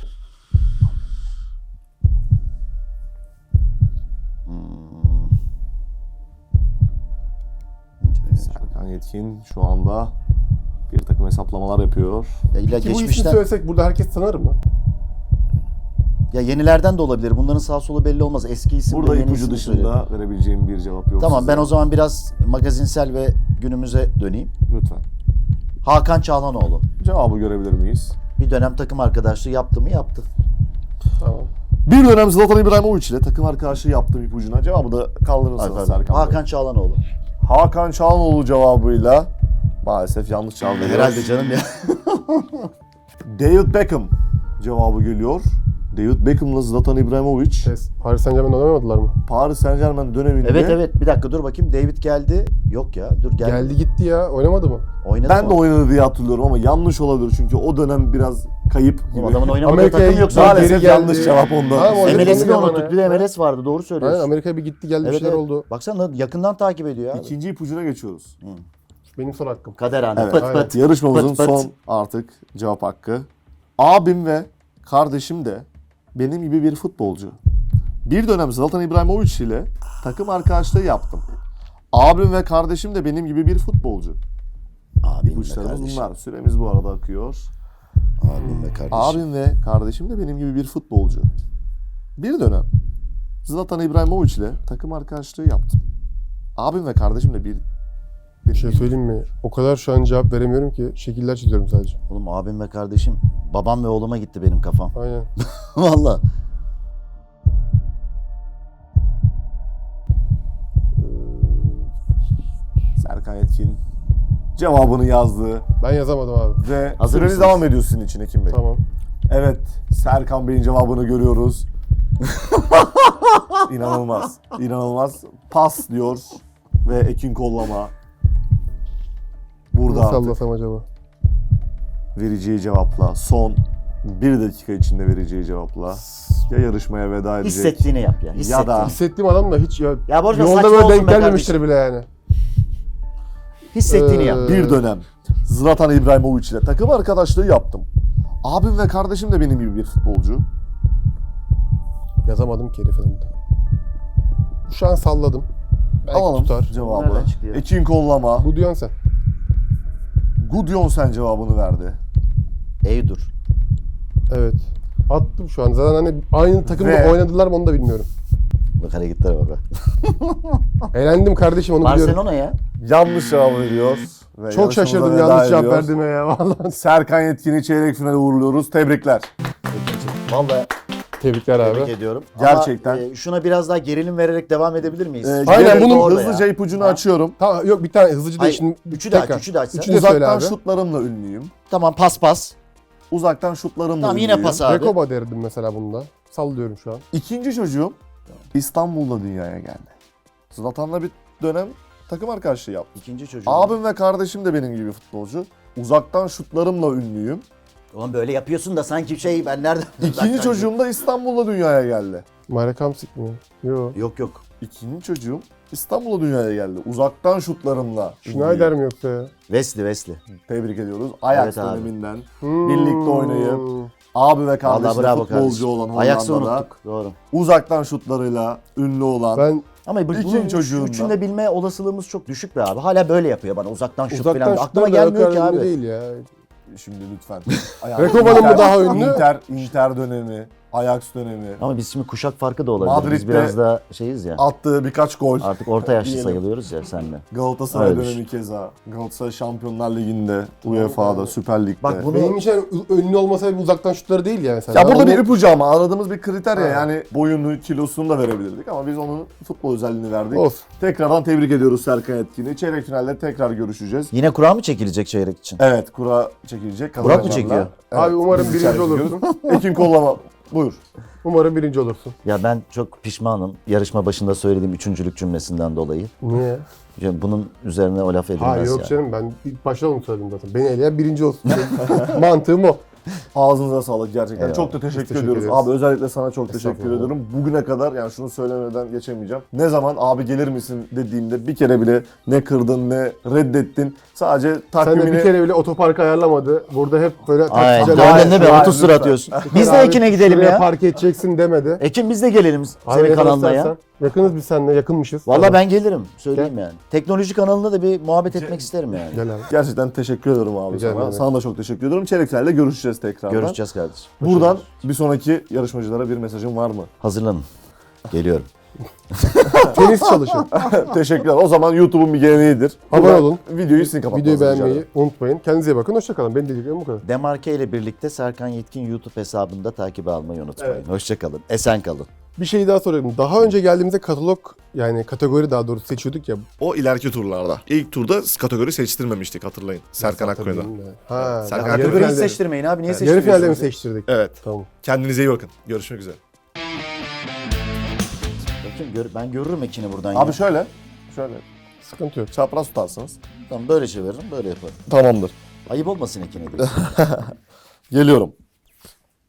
[SPEAKER 2] Serkan Yetkin şu anda bir takım hesaplamalar yapıyor.
[SPEAKER 1] Ya illa
[SPEAKER 3] Ki bu ismi
[SPEAKER 1] geçmişten,
[SPEAKER 3] söylesek burada herkes tanır mı?
[SPEAKER 1] ya yenilerden de olabilir. Bunların sağ solu belli olmaz. Eski isim
[SPEAKER 2] Burada
[SPEAKER 1] de yeni
[SPEAKER 2] ipucu
[SPEAKER 1] isim de
[SPEAKER 2] dışında
[SPEAKER 1] söylüyor.
[SPEAKER 2] verebileceğim bir cevap yok.
[SPEAKER 1] Tamam,
[SPEAKER 2] size.
[SPEAKER 1] ben o zaman biraz magazinsel ve günümüze döneyim.
[SPEAKER 2] Lütfen.
[SPEAKER 1] Hakan Çağlanoğlu.
[SPEAKER 2] Cevabı görebilir miyiz?
[SPEAKER 1] Bir dönem takım arkadaşlığı yaptı mı? Yaptı.
[SPEAKER 3] Tamam.
[SPEAKER 2] Bir dönem Zlatan İbrahimovic ile takım arkadaşlığı yaptığım ipucuna cevabı da kaldırırsınız
[SPEAKER 1] Hakan,
[SPEAKER 2] Serkan Bey.
[SPEAKER 1] Hakan Çağlanoğlu.
[SPEAKER 2] Hakan Çağlanoğlu cevabıyla maalesef yanlış cevap veriyor.
[SPEAKER 1] Herhalde canım ya.
[SPEAKER 2] David Beckham cevabı geliyor. David Beckham'la Zlatan İbrahimovic
[SPEAKER 3] Paris Saint-Germain'de oynamadılar mı?
[SPEAKER 2] Paris Saint-Germain döneminde
[SPEAKER 1] Evet, bir dakika dur bakayım. David geldi. Yok ya, dur geldi.
[SPEAKER 3] Geldi gitti ya. Oynamadı mı?
[SPEAKER 1] Oynadı
[SPEAKER 2] ben
[SPEAKER 1] mı?
[SPEAKER 2] de oynadı diye hatırlıyorum ama yanlış olabilir çünkü o dönem biraz kayıp gibi.
[SPEAKER 1] Oğlum, adamın oynamadığı
[SPEAKER 3] Amerika'ya
[SPEAKER 1] takım yoksa
[SPEAKER 3] gitti,
[SPEAKER 2] maalesef
[SPEAKER 3] geri
[SPEAKER 2] yanlış
[SPEAKER 3] geldi.
[SPEAKER 2] cevap ondan.
[SPEAKER 3] Tamam, o
[SPEAKER 1] MLS'i de
[SPEAKER 3] dedim
[SPEAKER 1] unuttuk.
[SPEAKER 3] bana
[SPEAKER 1] Bir de
[SPEAKER 3] ya.
[SPEAKER 1] MLS vardı. Doğru söylüyorsun.
[SPEAKER 3] Aynen, Amerika'ya bir gitti geldi bir
[SPEAKER 1] Evet,
[SPEAKER 3] şeyler
[SPEAKER 1] evet.
[SPEAKER 3] oldu.
[SPEAKER 1] Baksana yakından takip ediyor abi.
[SPEAKER 2] İkinci ipucuna geçiyoruz.
[SPEAKER 3] Benim son hakkım.
[SPEAKER 1] Kader anı.
[SPEAKER 2] Evet.
[SPEAKER 1] Pıt
[SPEAKER 3] Aynen.
[SPEAKER 1] pıt.
[SPEAKER 2] Yarışmamızın
[SPEAKER 1] Pıt pıt.
[SPEAKER 2] son artık cevap hakkı. Abim ve kardeşim de benim gibi bir futbolcu. Bir dönem Zlatan İbrahimovic ile takım arkadaşlığı yaptım. Abim ve kardeşim de benim gibi bir futbolcu.
[SPEAKER 1] Abim ve
[SPEAKER 2] İpuçlarımız
[SPEAKER 1] kardeşim.
[SPEAKER 2] bunlar. Süremiz bu arada akıyor.
[SPEAKER 1] Abim ve kardeşim.
[SPEAKER 2] Abim ve kardeşim de benim gibi bir futbolcu. Bir dönem Zlatan İbrahimovic ile takım arkadaşlığı yaptım. Abim ve kardeşim de
[SPEAKER 3] Bir şey söyleyeyim mi? O kadar şu an cevap veremiyorum ki şekiller çiziyorum sadece.
[SPEAKER 1] Oğlum, abim ve kardeşim. Babam ve oğluma gitti benim kafam.
[SPEAKER 3] Aynen.
[SPEAKER 1] Valla.
[SPEAKER 2] Serkan Yetkin cevabını yazdı
[SPEAKER 3] Ben yazamadım abi.
[SPEAKER 2] ve
[SPEAKER 1] Hazır
[SPEAKER 2] süreniz
[SPEAKER 1] mısınız?
[SPEAKER 2] devam ediyor sizin için Ekim Bey.
[SPEAKER 3] Tamam.
[SPEAKER 2] Evet, Serkan Bey'in cevabını görüyoruz. İnanılmaz, inanılmaz. Pas diyor ve Ekin Kollama Burada
[SPEAKER 3] Nasıl
[SPEAKER 2] artık
[SPEAKER 3] sallasam acaba?
[SPEAKER 2] vereceği cevapla, son 1 dakika içinde vereceği cevapla ya yarışmaya veda edecek.
[SPEAKER 1] Hissettiğini yap ya. Hissettiğini.
[SPEAKER 2] da-
[SPEAKER 3] Hissettiğim adam da hiç
[SPEAKER 1] Ya bu arada
[SPEAKER 3] yolda
[SPEAKER 1] saçma
[SPEAKER 3] böyle
[SPEAKER 1] olsun
[SPEAKER 3] denk
[SPEAKER 1] be
[SPEAKER 3] gelmemiştir
[SPEAKER 1] kardeşim.
[SPEAKER 3] bile yani.
[SPEAKER 1] Hissettiğini yap.
[SPEAKER 2] Bir dönem Zlatan İbrahimovic ile takım arkadaşlığı yaptım. Abim ve kardeşim de benim gibi bir futbolcu.
[SPEAKER 3] Yazamadım ki herifin adını. Şu an salladım. Belki
[SPEAKER 2] Alalım
[SPEAKER 3] tutar.
[SPEAKER 2] cevabı.
[SPEAKER 1] Nereden çıktı ya?
[SPEAKER 2] Ekin kollama.
[SPEAKER 3] Bu diyorsun sen.
[SPEAKER 2] Gudjonsen cevabını verdi.
[SPEAKER 1] Eydur.
[SPEAKER 3] Evet. Attım şu an. Zaten hani aynı takımda
[SPEAKER 2] Ve-
[SPEAKER 3] oynadılar mı onu da bilmiyorum.
[SPEAKER 1] Bak hareketlere bak.
[SPEAKER 3] Eğlendim kardeşim onu biliyorum.
[SPEAKER 1] Barcelona ya.
[SPEAKER 2] Yanlış cevabı veriyor. Ve
[SPEAKER 3] Çok şaşırdım
[SPEAKER 2] yarışmamıza veda
[SPEAKER 3] yanlış cevap
[SPEAKER 2] ediyor.
[SPEAKER 3] verdiğime ya vallahi.
[SPEAKER 2] Serkan Yetkin'i çeyrek finale uğurluyoruz. Tebrikler.
[SPEAKER 1] Vallahi
[SPEAKER 3] Tebrikler abi.
[SPEAKER 1] tebrik ediyorum.
[SPEAKER 2] Gerçekten.
[SPEAKER 1] Ama, şuna biraz daha gerilim vererek devam edebilir miyiz?
[SPEAKER 3] Aynen,
[SPEAKER 2] Gelin
[SPEAKER 3] bunun
[SPEAKER 1] orada
[SPEAKER 2] hızlıca
[SPEAKER 1] ya.
[SPEAKER 2] ipucunu
[SPEAKER 1] Ha?
[SPEAKER 2] açıyorum.
[SPEAKER 3] Tamam yok bir tane hızlıca da
[SPEAKER 1] Hayır,
[SPEAKER 3] şimdi
[SPEAKER 1] üçü de aç,
[SPEAKER 3] tekrar.
[SPEAKER 1] üçü de açsan.
[SPEAKER 3] Üçü de söyle
[SPEAKER 2] Uzaktan
[SPEAKER 3] abi.
[SPEAKER 2] şutlarımla ünlüyüm.
[SPEAKER 1] Tamam pas pas.
[SPEAKER 2] Uzaktan şutlarımla
[SPEAKER 1] Tamam
[SPEAKER 2] ünlüyüm.
[SPEAKER 1] yine pas abi.
[SPEAKER 3] Rekoba derdim mesela bunda. Sallıyorum şu an.
[SPEAKER 2] İkinci çocuğum İstanbul'da dünyaya geldi. Zlatan'la bir dönem takım arkadaşlığı yaptım.
[SPEAKER 1] İkinci çocuğum.
[SPEAKER 2] Abim ve kardeşim de benim gibi futbolcu. Uzaktan şutlarımla ünlüyüm.
[SPEAKER 1] Ulan böyle yapıyorsun da sanki ben nereden...
[SPEAKER 2] İkinci çocuğum da İstanbul'da dünyaya geldi.
[SPEAKER 3] Marek Hamsik mi? Yok.
[SPEAKER 1] Yok.
[SPEAKER 2] İkinci çocuğum İstanbul'da dünyaya geldi. Uzaktan şutlarımla
[SPEAKER 3] Schneider
[SPEAKER 2] ünlüyüm.
[SPEAKER 3] mi yoksa ya?
[SPEAKER 1] Wesley.
[SPEAKER 2] Tebrik ediyoruz. Ajax
[SPEAKER 1] Evet abi.
[SPEAKER 2] döneminden birlikte oynayıp abi ve
[SPEAKER 1] Vallahi
[SPEAKER 2] kardeşi
[SPEAKER 1] bravo
[SPEAKER 2] futbolcu
[SPEAKER 1] kardeşim.
[SPEAKER 2] olan
[SPEAKER 1] Ajax'ı
[SPEAKER 2] Hollanda'da
[SPEAKER 1] unuttuk. Doğru.
[SPEAKER 2] uzaktan şutlarıyla ünlü olan
[SPEAKER 3] Ben
[SPEAKER 1] Ama
[SPEAKER 2] İkinci çocuğunda.
[SPEAKER 1] üçünü de bilme olasılığımız çok düşük be abi. Hala böyle yapıyor bana uzaktan şut
[SPEAKER 3] uzaktan
[SPEAKER 1] falan.
[SPEAKER 3] şutlar
[SPEAKER 1] Aklıma
[SPEAKER 3] da
[SPEAKER 1] gelmiyor ki
[SPEAKER 3] o kadar
[SPEAKER 1] abi.
[SPEAKER 3] ünlü değil ya.
[SPEAKER 2] şimdi lütfen.
[SPEAKER 3] Rekoba'nın mı daha ünlü?
[SPEAKER 2] Inter dönemi, Ajax dönemi.
[SPEAKER 1] Ama biz şimdi kuşak farkı da olabilir. Biz
[SPEAKER 2] Madrid'de-
[SPEAKER 1] biraz daha şeyiz ya.
[SPEAKER 2] Attığı birkaç gol.
[SPEAKER 1] Artık orta yaşlı
[SPEAKER 2] Diyelim.
[SPEAKER 1] sayılıyoruz ya senle.
[SPEAKER 2] Galatasaray
[SPEAKER 1] Öyle
[SPEAKER 2] dönemi keza. Galatasaray Şampiyonlar Ligi'nde, UEFA'da, Süper Lig'de.
[SPEAKER 1] Bak bunu
[SPEAKER 3] Benim için ünlü olmasa bir uzaktan şutları değil ya mesela.
[SPEAKER 2] Ya burada
[SPEAKER 3] Onu-
[SPEAKER 2] bir ipucu ama aradığımız bir kriter ya.
[SPEAKER 3] Ha.
[SPEAKER 2] Yani boyunu, kilosunu da verebilirdik ama biz onun futbol özelliğini verdik.
[SPEAKER 3] Olsun.
[SPEAKER 2] Tekrardan tebrik ediyoruz Serkan Etkin'i. Çeyrek finalde tekrar görüşeceğiz.
[SPEAKER 1] yine kura mı çekilecek çeyrek için?
[SPEAKER 2] Evet, kura çekilecek.
[SPEAKER 1] Burak mı
[SPEAKER 2] kazananlarla.
[SPEAKER 1] çekiyor?
[SPEAKER 2] Evet,
[SPEAKER 3] Abi umarım
[SPEAKER 2] biz
[SPEAKER 3] birinci
[SPEAKER 2] içeri
[SPEAKER 3] olursun.
[SPEAKER 2] gidiyoruz. Ekin kollama. Buyur.
[SPEAKER 3] Umarım birinci olursun.
[SPEAKER 1] Ya ben çok pişmanım. Yarışma başında söylediğim üçüncülük cümlesinden dolayı.
[SPEAKER 3] Niye?
[SPEAKER 1] Ya bunun üzerine o laf edilmez
[SPEAKER 3] Ha yok
[SPEAKER 1] yani.
[SPEAKER 3] canım ben ilk başta onu söyledim zaten. Beni eleyen birinci olsun. Mantığım o.
[SPEAKER 2] Ağzınıza sağlık gerçekten.
[SPEAKER 1] Eyvallah.
[SPEAKER 2] Çok da teşekkür
[SPEAKER 3] teşekkür
[SPEAKER 2] ediyoruz.
[SPEAKER 3] ederiz.
[SPEAKER 2] Abi özellikle sana çok teşekkür
[SPEAKER 3] Estağfurullah.
[SPEAKER 2] ediyorum. Bugüne kadar yani şunu söylemeden geçemeyeceğim. Ne zaman abi gelir misin dediğimde bir kere bile ne kırdın ne reddettin. Sadece
[SPEAKER 3] Sen de
[SPEAKER 2] takvimini...
[SPEAKER 3] bir kere bile otopark ayarlamadı. Burada hep böyle
[SPEAKER 1] Aynen.
[SPEAKER 3] taksiciler...
[SPEAKER 1] Döndün değil mi?
[SPEAKER 2] Hayır,
[SPEAKER 1] 30 tur
[SPEAKER 2] lütfen.
[SPEAKER 1] atıyorsun. Biz de
[SPEAKER 3] Abi
[SPEAKER 1] Ekin'e gidelim
[SPEAKER 3] şuraya
[SPEAKER 1] ya.
[SPEAKER 3] park edeceksin demedi.
[SPEAKER 1] Ekin biz de gelelim
[SPEAKER 3] Abi
[SPEAKER 1] senin
[SPEAKER 3] yakın
[SPEAKER 1] kanalına ya.
[SPEAKER 3] istersen. Yakınız biz seninle, yakınmışız.
[SPEAKER 1] Vallahi
[SPEAKER 3] Tamam.
[SPEAKER 1] ben gelirim. Söyleyeyim yani. Teknoloji kanalında da bir muhabbet etmek isterim yani.
[SPEAKER 3] Gel abi.
[SPEAKER 2] Gerçekten teşekkür ederim abi
[SPEAKER 3] Rica
[SPEAKER 2] sana.
[SPEAKER 3] ederim.
[SPEAKER 2] Sana da çok teşekkür ediyorum. Çeyrek finalde görüşeceğiz tekrardan.
[SPEAKER 1] Görüşeceğiz kardeşim.
[SPEAKER 2] Buradan bir sonraki yarışmacılara bir mesajın var mı?
[SPEAKER 1] Hazırlanın. Geliyorum.
[SPEAKER 3] Tenis çalışın.
[SPEAKER 2] Teşekkürler. O zaman YouTube'un bir geleneğidir.
[SPEAKER 3] Abone
[SPEAKER 2] Buradan
[SPEAKER 3] olun.
[SPEAKER 2] Videoyu sizin kapatmanızı
[SPEAKER 3] Videoyu
[SPEAKER 2] rica
[SPEAKER 3] beğenmeyi
[SPEAKER 2] ederim.
[SPEAKER 3] unutmayın. Kendinize iyi bakın. Hoşçakalın. Benim dediklerim bu kadar.
[SPEAKER 1] Demarke ile birlikte Serkan Yetkin YouTube hesabında takibi almayı unutmayın. Hoşçakalın. Esen kalın.
[SPEAKER 3] Bir şey daha sorayım. Daha önce geldiğimizde katalog yani kategori daha doğrusu seçiyorduk ya.
[SPEAKER 2] O ileriki turlarda. İlk turda kategori seçtirmemiştik hatırlayın. Serkan Akkuya'da.
[SPEAKER 3] Hatırlayayım ya. Ha,
[SPEAKER 2] Serkan
[SPEAKER 3] daha yarı
[SPEAKER 1] Kategoriyi
[SPEAKER 3] finalde-
[SPEAKER 1] seçtirmeyin abi. Niye
[SPEAKER 3] Yarı
[SPEAKER 1] seçtiriyorsunuz?
[SPEAKER 3] finalde mi seçtirdik?
[SPEAKER 2] Evet.
[SPEAKER 3] Tamam.
[SPEAKER 2] Kendinize iyi bakın. Görüşmek üzere.
[SPEAKER 1] Bakayım ben görürüm Ekin'i buradan
[SPEAKER 2] Abi
[SPEAKER 1] ya.
[SPEAKER 2] şöyle
[SPEAKER 3] Sıkıntı yok.
[SPEAKER 2] çapraz tutarsınız.
[SPEAKER 1] Tamam böyle çeviririm böyle yaparım.
[SPEAKER 2] Tamamdır.
[SPEAKER 1] Ayıp olmasın Ekin'e diye.
[SPEAKER 2] Geliyorum.